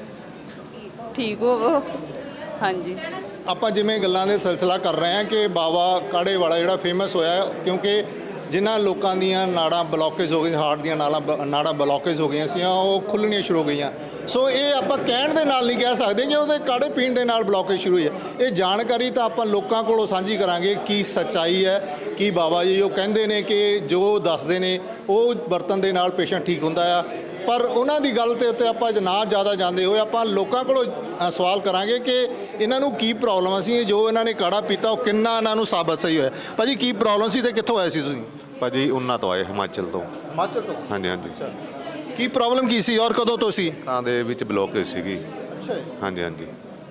[SPEAKER 4] ਠੀਕ ਹੋਵੋ। ਹਾਂਜੀ
[SPEAKER 3] ਆਪਾਂ ਜਿਵੇਂ ਗੱਲਾਂ ਦੇ ਸਿਲਸਿਲਾ ਕਰ ਰਹੇ ਹਾਂ ਕਿ ਬਾਬਾ ਕਾੜੇ ਵਾਲਾ ਜਿਹੜਾ ਫੇਮਸ ਹੋਇਆ ਹੈ, ਕਿਉਂਕਿ ਜਿਨ੍ਹਾਂ ਲੋਕਾਂ ਦੀਆਂ ਨਾੜਾਂ ਬਲੌਕੇਜ ਹੋ ਗਈਆਂ, ਹਾਰਟ ਦੀਆਂ ਨਾੜਾਂ ਬਲੌਕੇਜ ਹੋ ਗਈਆਂ ਸੀ, ਉਹ ਖੁੱਲ੍ਹਣੀਆਂ ਸ਼ੁਰੂ ਹੋ ਗਈਆਂ। ਸੋ ਇਹ ਆਪਾਂ ਕਹਿਣ ਦੇ ਨਾਲ ਨਹੀਂ ਕਹਿ ਸਕਦੇ ਕਿ ਉਹਦੇ ਕਾੜੇ ਪੀਣ ਦੇ ਨਾਲ ਬਲੌਕੇਜ ਸ਼ੁਰੂ ਹੋਈ ਹੈ। ਇਹ ਜਾਣਕਾਰੀ ਤਾਂ ਆਪਾਂ ਲੋਕਾਂ ਕੋਲੋਂ ਸਾਂਝੀ ਕਰਾਂਗੇ ਕੀ ਸੱਚਾਈ ਹੈ, ਕੀ ਬਾਬਾ ਜੀ ਉਹ ਕਹਿੰਦੇ ਨੇ ਕਿ ਜੋ ਦੱਸਦੇ ਨੇ ਉਹ ਵਰਤਣ ਦੇ ਨਾਲ ਪੇਸ਼ੈਂਟ ਠੀਕ ਹੁੰਦਾ ਆ। ਪਰ ਉਹਨਾਂ ਦੀ ਗੱਲ ਦੇ ਉੱਤੇ ਆਪਾਂ ਨਾ ਜ਼ਿਆਦਾ ਜਾਂਦੇ ਹੋਏ ਆਪਾਂ ਲੋਕਾਂ ਕੋਲੋਂ ਸਵਾਲ ਕਰਾਂਗੇ ਕਿ ਇਹਨਾਂ ਨੂੰ ਕੀ ਪ੍ਰੋਬਲਮ ਸੀ, ਜੋ ਇਹਨਾਂ ਨੇ ਕਾੜਾ ਪੀਤਾ ਉਹ ਕਿੰਨਾ ਇਹਨਾਂ ਨੂੰ ਸਾਬਤ ਸਹੀ ਹੋਇਆ। ਭਾਜੀ ਕੀ ਪ੍ਰੋਬਲਮ ਸੀ ਤੇ ਕਿੱਥੋਂ ਆਏ ਸੀ ਤੁਸੀਂ?
[SPEAKER 6] ਭਾਜੀ ਉਹਨਾਂ ਤੋਂ ਆਏ, ਹਿਮਾਚਲ ਤੋਂ।
[SPEAKER 3] ਹਿਮਾਚਲ ਤੋਂ?
[SPEAKER 6] ਹਾਂਜੀ ਹਾਂਜੀ।
[SPEAKER 3] ਕੀ ਪ੍ਰੋਬਲਮ ਕੀ ਸੀ ਔਰ ਕਦੋਂ ਤੋਂ ਸੀ?
[SPEAKER 6] ਤਾਂ ਦੇ ਵਿੱਚ ਬਲੋਕੇਜ ਸੀਗੀ।
[SPEAKER 3] ਅੱਛਾ
[SPEAKER 6] ਹਾਂਜੀ ਹਾਂਜੀ।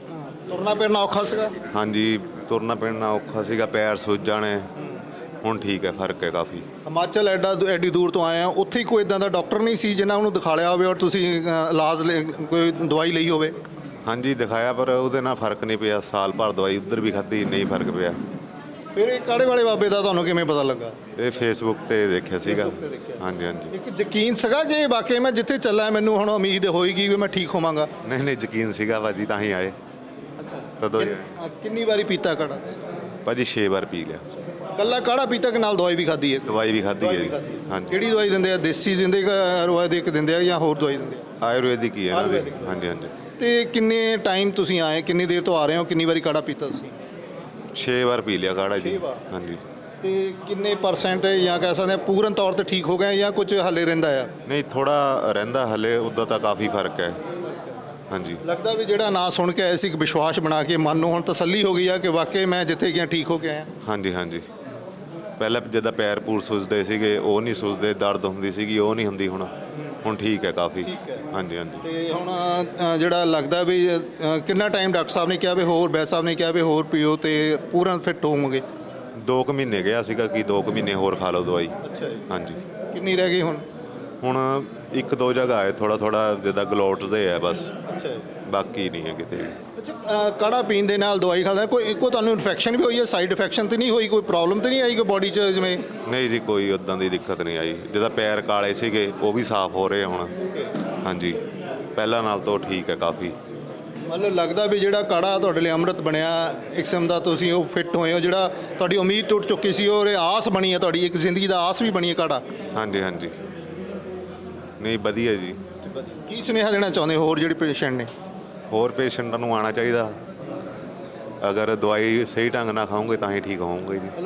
[SPEAKER 3] ਤੁਰਨਾ ਫਿਰਨਾ ਔਖਾ ਸੀਗਾ?
[SPEAKER 6] ਹਾਂਜੀ, ਤੁਰਨਾ ਫਿਰਨਾ ਔਖਾ ਸੀਗਾ, ਪੈਰ ਸੁੱਜ ਜਾਣੇ। ਹੁਣ ਠੀਕ ਹੈ, ਫਰਕ ਹੈ ਕਾਫੀ।
[SPEAKER 3] ਹਿਮਾਚਲ ਐਡੀ ਦੂਰ ਤੋਂ ਆਏ ਆ, ਉੱਥੇ ਹੀ ਕੋਈ ਇਦਾਂ ਦਾ ਡਾਕਟਰ ਨਹੀਂ ਸੀ ਜਿਨ੍ਹਾਂ ਨੂੰ ਦਿਖਾਲਿਆ ਹੋਵੇ ਔਰ ਤੁਸੀਂ ਇਲਾਜ ਕੋਈ ਦਵਾਈ ਲਈ ਹੋਵੇ?
[SPEAKER 6] ਹਾਂਜੀ ਦਿਖਾਇਆ, ਪਰ ਉਹਦੇ ਨਾਲ ਫਰਕ ਨਹੀਂ ਪਿਆ। ਸਾਲ ਭਰ ਦਵਾਈ ਉੱਧਰ ਵੀ ਖਾਧੀ, ਨਹੀਂ ਫਰਕ ਪਿਆ।
[SPEAKER 3] ਫਿਰ ਇਹ ਕਾੜੇ ਵਾਲੇ ਬਾਬੇ ਦਾ ਤੁਹਾਨੂੰ ਕਿਵੇਂ ਪਤਾ ਲੱਗਾ?
[SPEAKER 6] ਇਹ ਫੇਸਬੁੱਕ ਤੇ ਦੇਖਿਆ ਸੀਗਾ।
[SPEAKER 3] Facebook ਤੇ ਦੇਖਿਆ।
[SPEAKER 6] ਹਾਂਜੀ ਹਾਂਜੀ।
[SPEAKER 3] ਇੱਕ ਯਕੀਨ ਸੀਗਾ ਕਿ ਵਾਕਈ ਮੈਂ ਜਿੱਥੇ ਚੱਲਾਂ ਮੈਨੂੰ ਹੁਣ ਉਮੀਦ ਹੋਏਗੀ ਵੀ ਮੈਂ ਠੀਕ ਹੋਵਾਂਗਾ?
[SPEAKER 6] ਨਹੀਂ ਨਹੀਂ, ਯਕੀਨ ਸੀਗਾ ਭਾਜੀ, ਤਾਂ ਹੀ ਆਏ।
[SPEAKER 3] ਅੱਛਾ।
[SPEAKER 6] ਤਦੋਂ
[SPEAKER 3] ਕਿੰਨੀ ਵਾਰੀ ਪੀਤਾ ਕਾੜਾ?
[SPEAKER 6] ਭਾਜੀ 6 ਵਾਰ ਪੀ ਲਿਆ।
[SPEAKER 3] ਕੱਲਾ ਕਾੜਾ ਪੀਤਾ ਕਿ ਨਾਲ ਦਵਾਈ ਵੀ ਖਾਧੀ ਹੈ?
[SPEAKER 6] ਦਵਾਈ ਵੀ ਖਾਧੀ ਹੈ ਜੀ। ਹਾਂਜੀ।
[SPEAKER 3] ਕਿਹੜੀ ਦਵਾਈ ਦਿੰਦੇ ਆ? ਦੇਸੀ ਦਿੰਦੇ ਕਿ ਆਯੁਰਵੈਦਿਕ ਦਿੰਦੇ ਆ ਜਾਂ ਹੋਰ ਦਵਾਈ ਦਿੰਦੇ ਆ?
[SPEAKER 6] ਆਯੁਰਵੈਦਿਕ ਹੀ ਹੈ ਇਹਨਾਂ ਦੀ।
[SPEAKER 3] ਆਯੁਰਵੈਦਿਕ।
[SPEAKER 6] ਹਾਂਜੀ ਹਾਂਜੀ।
[SPEAKER 3] ਤੇ ਕਿੰਨੇ ਟਾਈਮ ਤੁਸੀਂ ਆਏ, ਕਿੰਨੀ ਦੇਰ ਤੋਂ ਆ ਰਹੇ ਹੋ, ਕਿੰਨੀ ਵਾਰੀ ਕਾੜਾ ਪੀਤਾ ਤੁਸੀਂ?
[SPEAKER 6] 6 ਵਾਰ ਪੀ ਲਿਆ ਕਾੜਾ ਜੀ।
[SPEAKER 3] 6 ਵਾਰ?
[SPEAKER 6] ਹਾਂਜੀ।
[SPEAKER 3] ਤੇ ਕਿੰਨੇ ਪਰਸੈਂਟ ਜਾਂ ਕਹਿ ਸਕਦੇ ਆ ਪੂਰਨ ਤੌਰ ਤੇ ਠੀਕ ਹੋ ਗਏ ਜਾਂ ਕੁਝ ਹੱਲੇ ਰਹਿੰਦਾ ਆ?
[SPEAKER 6] ਨਹੀਂ, ਥੋੜਾ ਰਹਿੰਦਾ ਹਲੇ, ਉੱਦਾਂ ਤਾਂ ਕਾਫੀ ਫਰਕ ਹੈ। ਹਾਂਜੀ।
[SPEAKER 3] ਲੱਗਦਾ ਵੀ ਜਿਹੜਾ ਨਾਂ ਸੁਣ ਕੇ ਆਏ ਸੀ, ਇੱਕ ਵਿਸ਼ਵਾਸ ਬਣਾ ਕੇ ਮਨ ਨੂੰ ਹੁਣ ਤਸੱਲੀ ਹੋ ਗਈ ਆ ਕਿ ਵਾਕਈ ਮੈਂ ਜਿੱਥੇ ਗਿਆ ਠੀਕ ਹੋ ਕੇ ਆਇਆ।
[SPEAKER 6] ਹਾਂਜੀ ਹਾਂਜੀ। ਪਹਿਲਾਂ ਜਿੱਦਾਂ ਪੈਰ ਪੂਰ ਸੁੱਜਦੇ ਸੀਗੇ ਉਹ ਨਹੀਂ ਸੁੱਜਦੇ, ਦਰਦ ਹੁੰਦੀ ਸੀਗੀ ਉਹ ਨਹੀਂ ਹੁੰਦੀ ਹੁਣ ਠੀਕ ਹੈ ਕਾਫੀ। ਹਾਂਜੀ ਹਾਂਜੀ।
[SPEAKER 3] ਤੇ ਹੁਣ ਜਿਹੜਾ ਲੱਗਦਾ ਵੀ ਕਿੰਨਾ ਟਾਈਮ ਡਾਕਟਰ ਸਾਹਿਬ ਨੇ ਕਿਹਾ ਵੀ ਹੋਰ, ਵੈਦ ਸਾਹਿਬ ਨੇ ਕਿਹਾ ਵੀ ਹੋਰ ਪੀਓ ਤੇ ਪੂਰਾ ਫਿੱਟ ਹੋਵੋਗੇ?
[SPEAKER 6] 2 ਕੁ ਮਹੀਨੇ ਗਿਆ ਸੀਗਾ ਕਿ 2 ਕੁ ਮਹੀਨੇ ਹੋਰ ਖਾ ਲਓ ਦਵਾਈ।
[SPEAKER 3] ਅੱਛਾ ਜੀ।
[SPEAKER 6] ਹਾਂਜੀ।
[SPEAKER 3] ਕਿੰਨੀ ਰਹਿ ਗਈ ਹੁਣ?
[SPEAKER 6] ਹੁਣ 1-2 ਜਗ੍ਹਾ ਹੈ, ਥੋੜਾ ਜਿੱਦਾਂ ਗਲੋਟਸ ਦੇ ਹੈ ਬਸ,
[SPEAKER 3] ਅੱਛਾ ਜੀ।
[SPEAKER 6] ਬਾਕੀ ਨਹੀਂ ਹੈ ਕਿਤੇ।
[SPEAKER 3] ਅੱਛਾ, ਕਾੜਾ ਪੀਣ ਦੇ ਨਾਲ ਦਵਾਈ ਖਾਂਦਾ ਕੋਈ ਤੁਹਾਨੂੰ ਇਨਫੈਕਸ਼ਨ ਵੀ ਹੋਈ ਹੈ? ਸਾਈਡ ਇਫੈਕਸ਼ਨ ਤੇ ਨਹੀਂ ਹੋਈ? ਕੋਈ ਪ੍ਰੋਬਲਮ ਤੇ ਨਹੀਂ ਆਈ ਕੋਈ ਬੋਡੀ 'ਚ ਜਿਵੇਂ?
[SPEAKER 6] ਨਹੀਂ ਜੀ, ਕੋਈ ਉੱਦਾਂ ਦੀ ਦਿੱਕਤ ਨਹੀਂ ਆਈ। ਜਿੱਦਾਂ ਪੈਰ ਕਾਲੇ ਸੀਗੇ ਉਹ ਵੀ ਸਾਫ਼ ਹੋ ਰਹੇ ਹੁਣ। ਹਾਂਜੀ, ਪਹਿਲਾਂ ਨਾਲ ਤੋਂ ਠੀਕ ਹੈ ਕਾਫੀ।
[SPEAKER 3] ਮਤਲਬ ਲੱਗਦਾ ਵੀ ਜਿਹੜਾ ਕਾੜਾ ਤੁਹਾਡੇ ਲਈ ਅੰਮ੍ਰਿਤ ਬਣਿਆ, ਇੱਕ ਕਿਸਮ ਦਾ ਤੁਸੀਂ ਉਹ ਫਿੱਟ ਹੋਏ ਹੋ, ਜਿਹੜਾ ਤੁਹਾਡੀ ਉਮੀਦ ਟੁੱਟ ਚੁੱਕੀ ਸੀ ਔਰ ਇਹ ਆਸ ਬਣੀ ਹੈ, ਤੁਹਾਡੀ ਇੱਕ ਜ਼ਿੰਦਗੀ ਦਾ ਆਸ ਵੀ ਬਣੀ ਹੈ ਕਾੜਾ।
[SPEAKER 6] ਹਾਂਜੀ ਹਾਂਜੀ। ਨਹੀਂ ਵਧੀਆ ਜੀ।
[SPEAKER 3] ਕੀ ਸੁਨੇਹਾ ਦੇਣਾ ਚਾਹੁੰਦੇ ਹੋਰ ਜਿਹੜੇ ਪੇਸ਼ੈਂਟ ਨੇ?
[SPEAKER 6] ਹੋਰ ਪੇਸ਼ੈਂਟਾਂ ਨੂੰ ਆਉਣਾ ਚਾਹੀਦਾ। ਅਗਰ ਦਵਾਈ ਸਹੀ ਢੰਗ ਨਾਲ ਖਾਓਗੇ ਤਾਂ ਹੀ ਠੀਕ ਹੋਵੋਗੇ ਜੀ।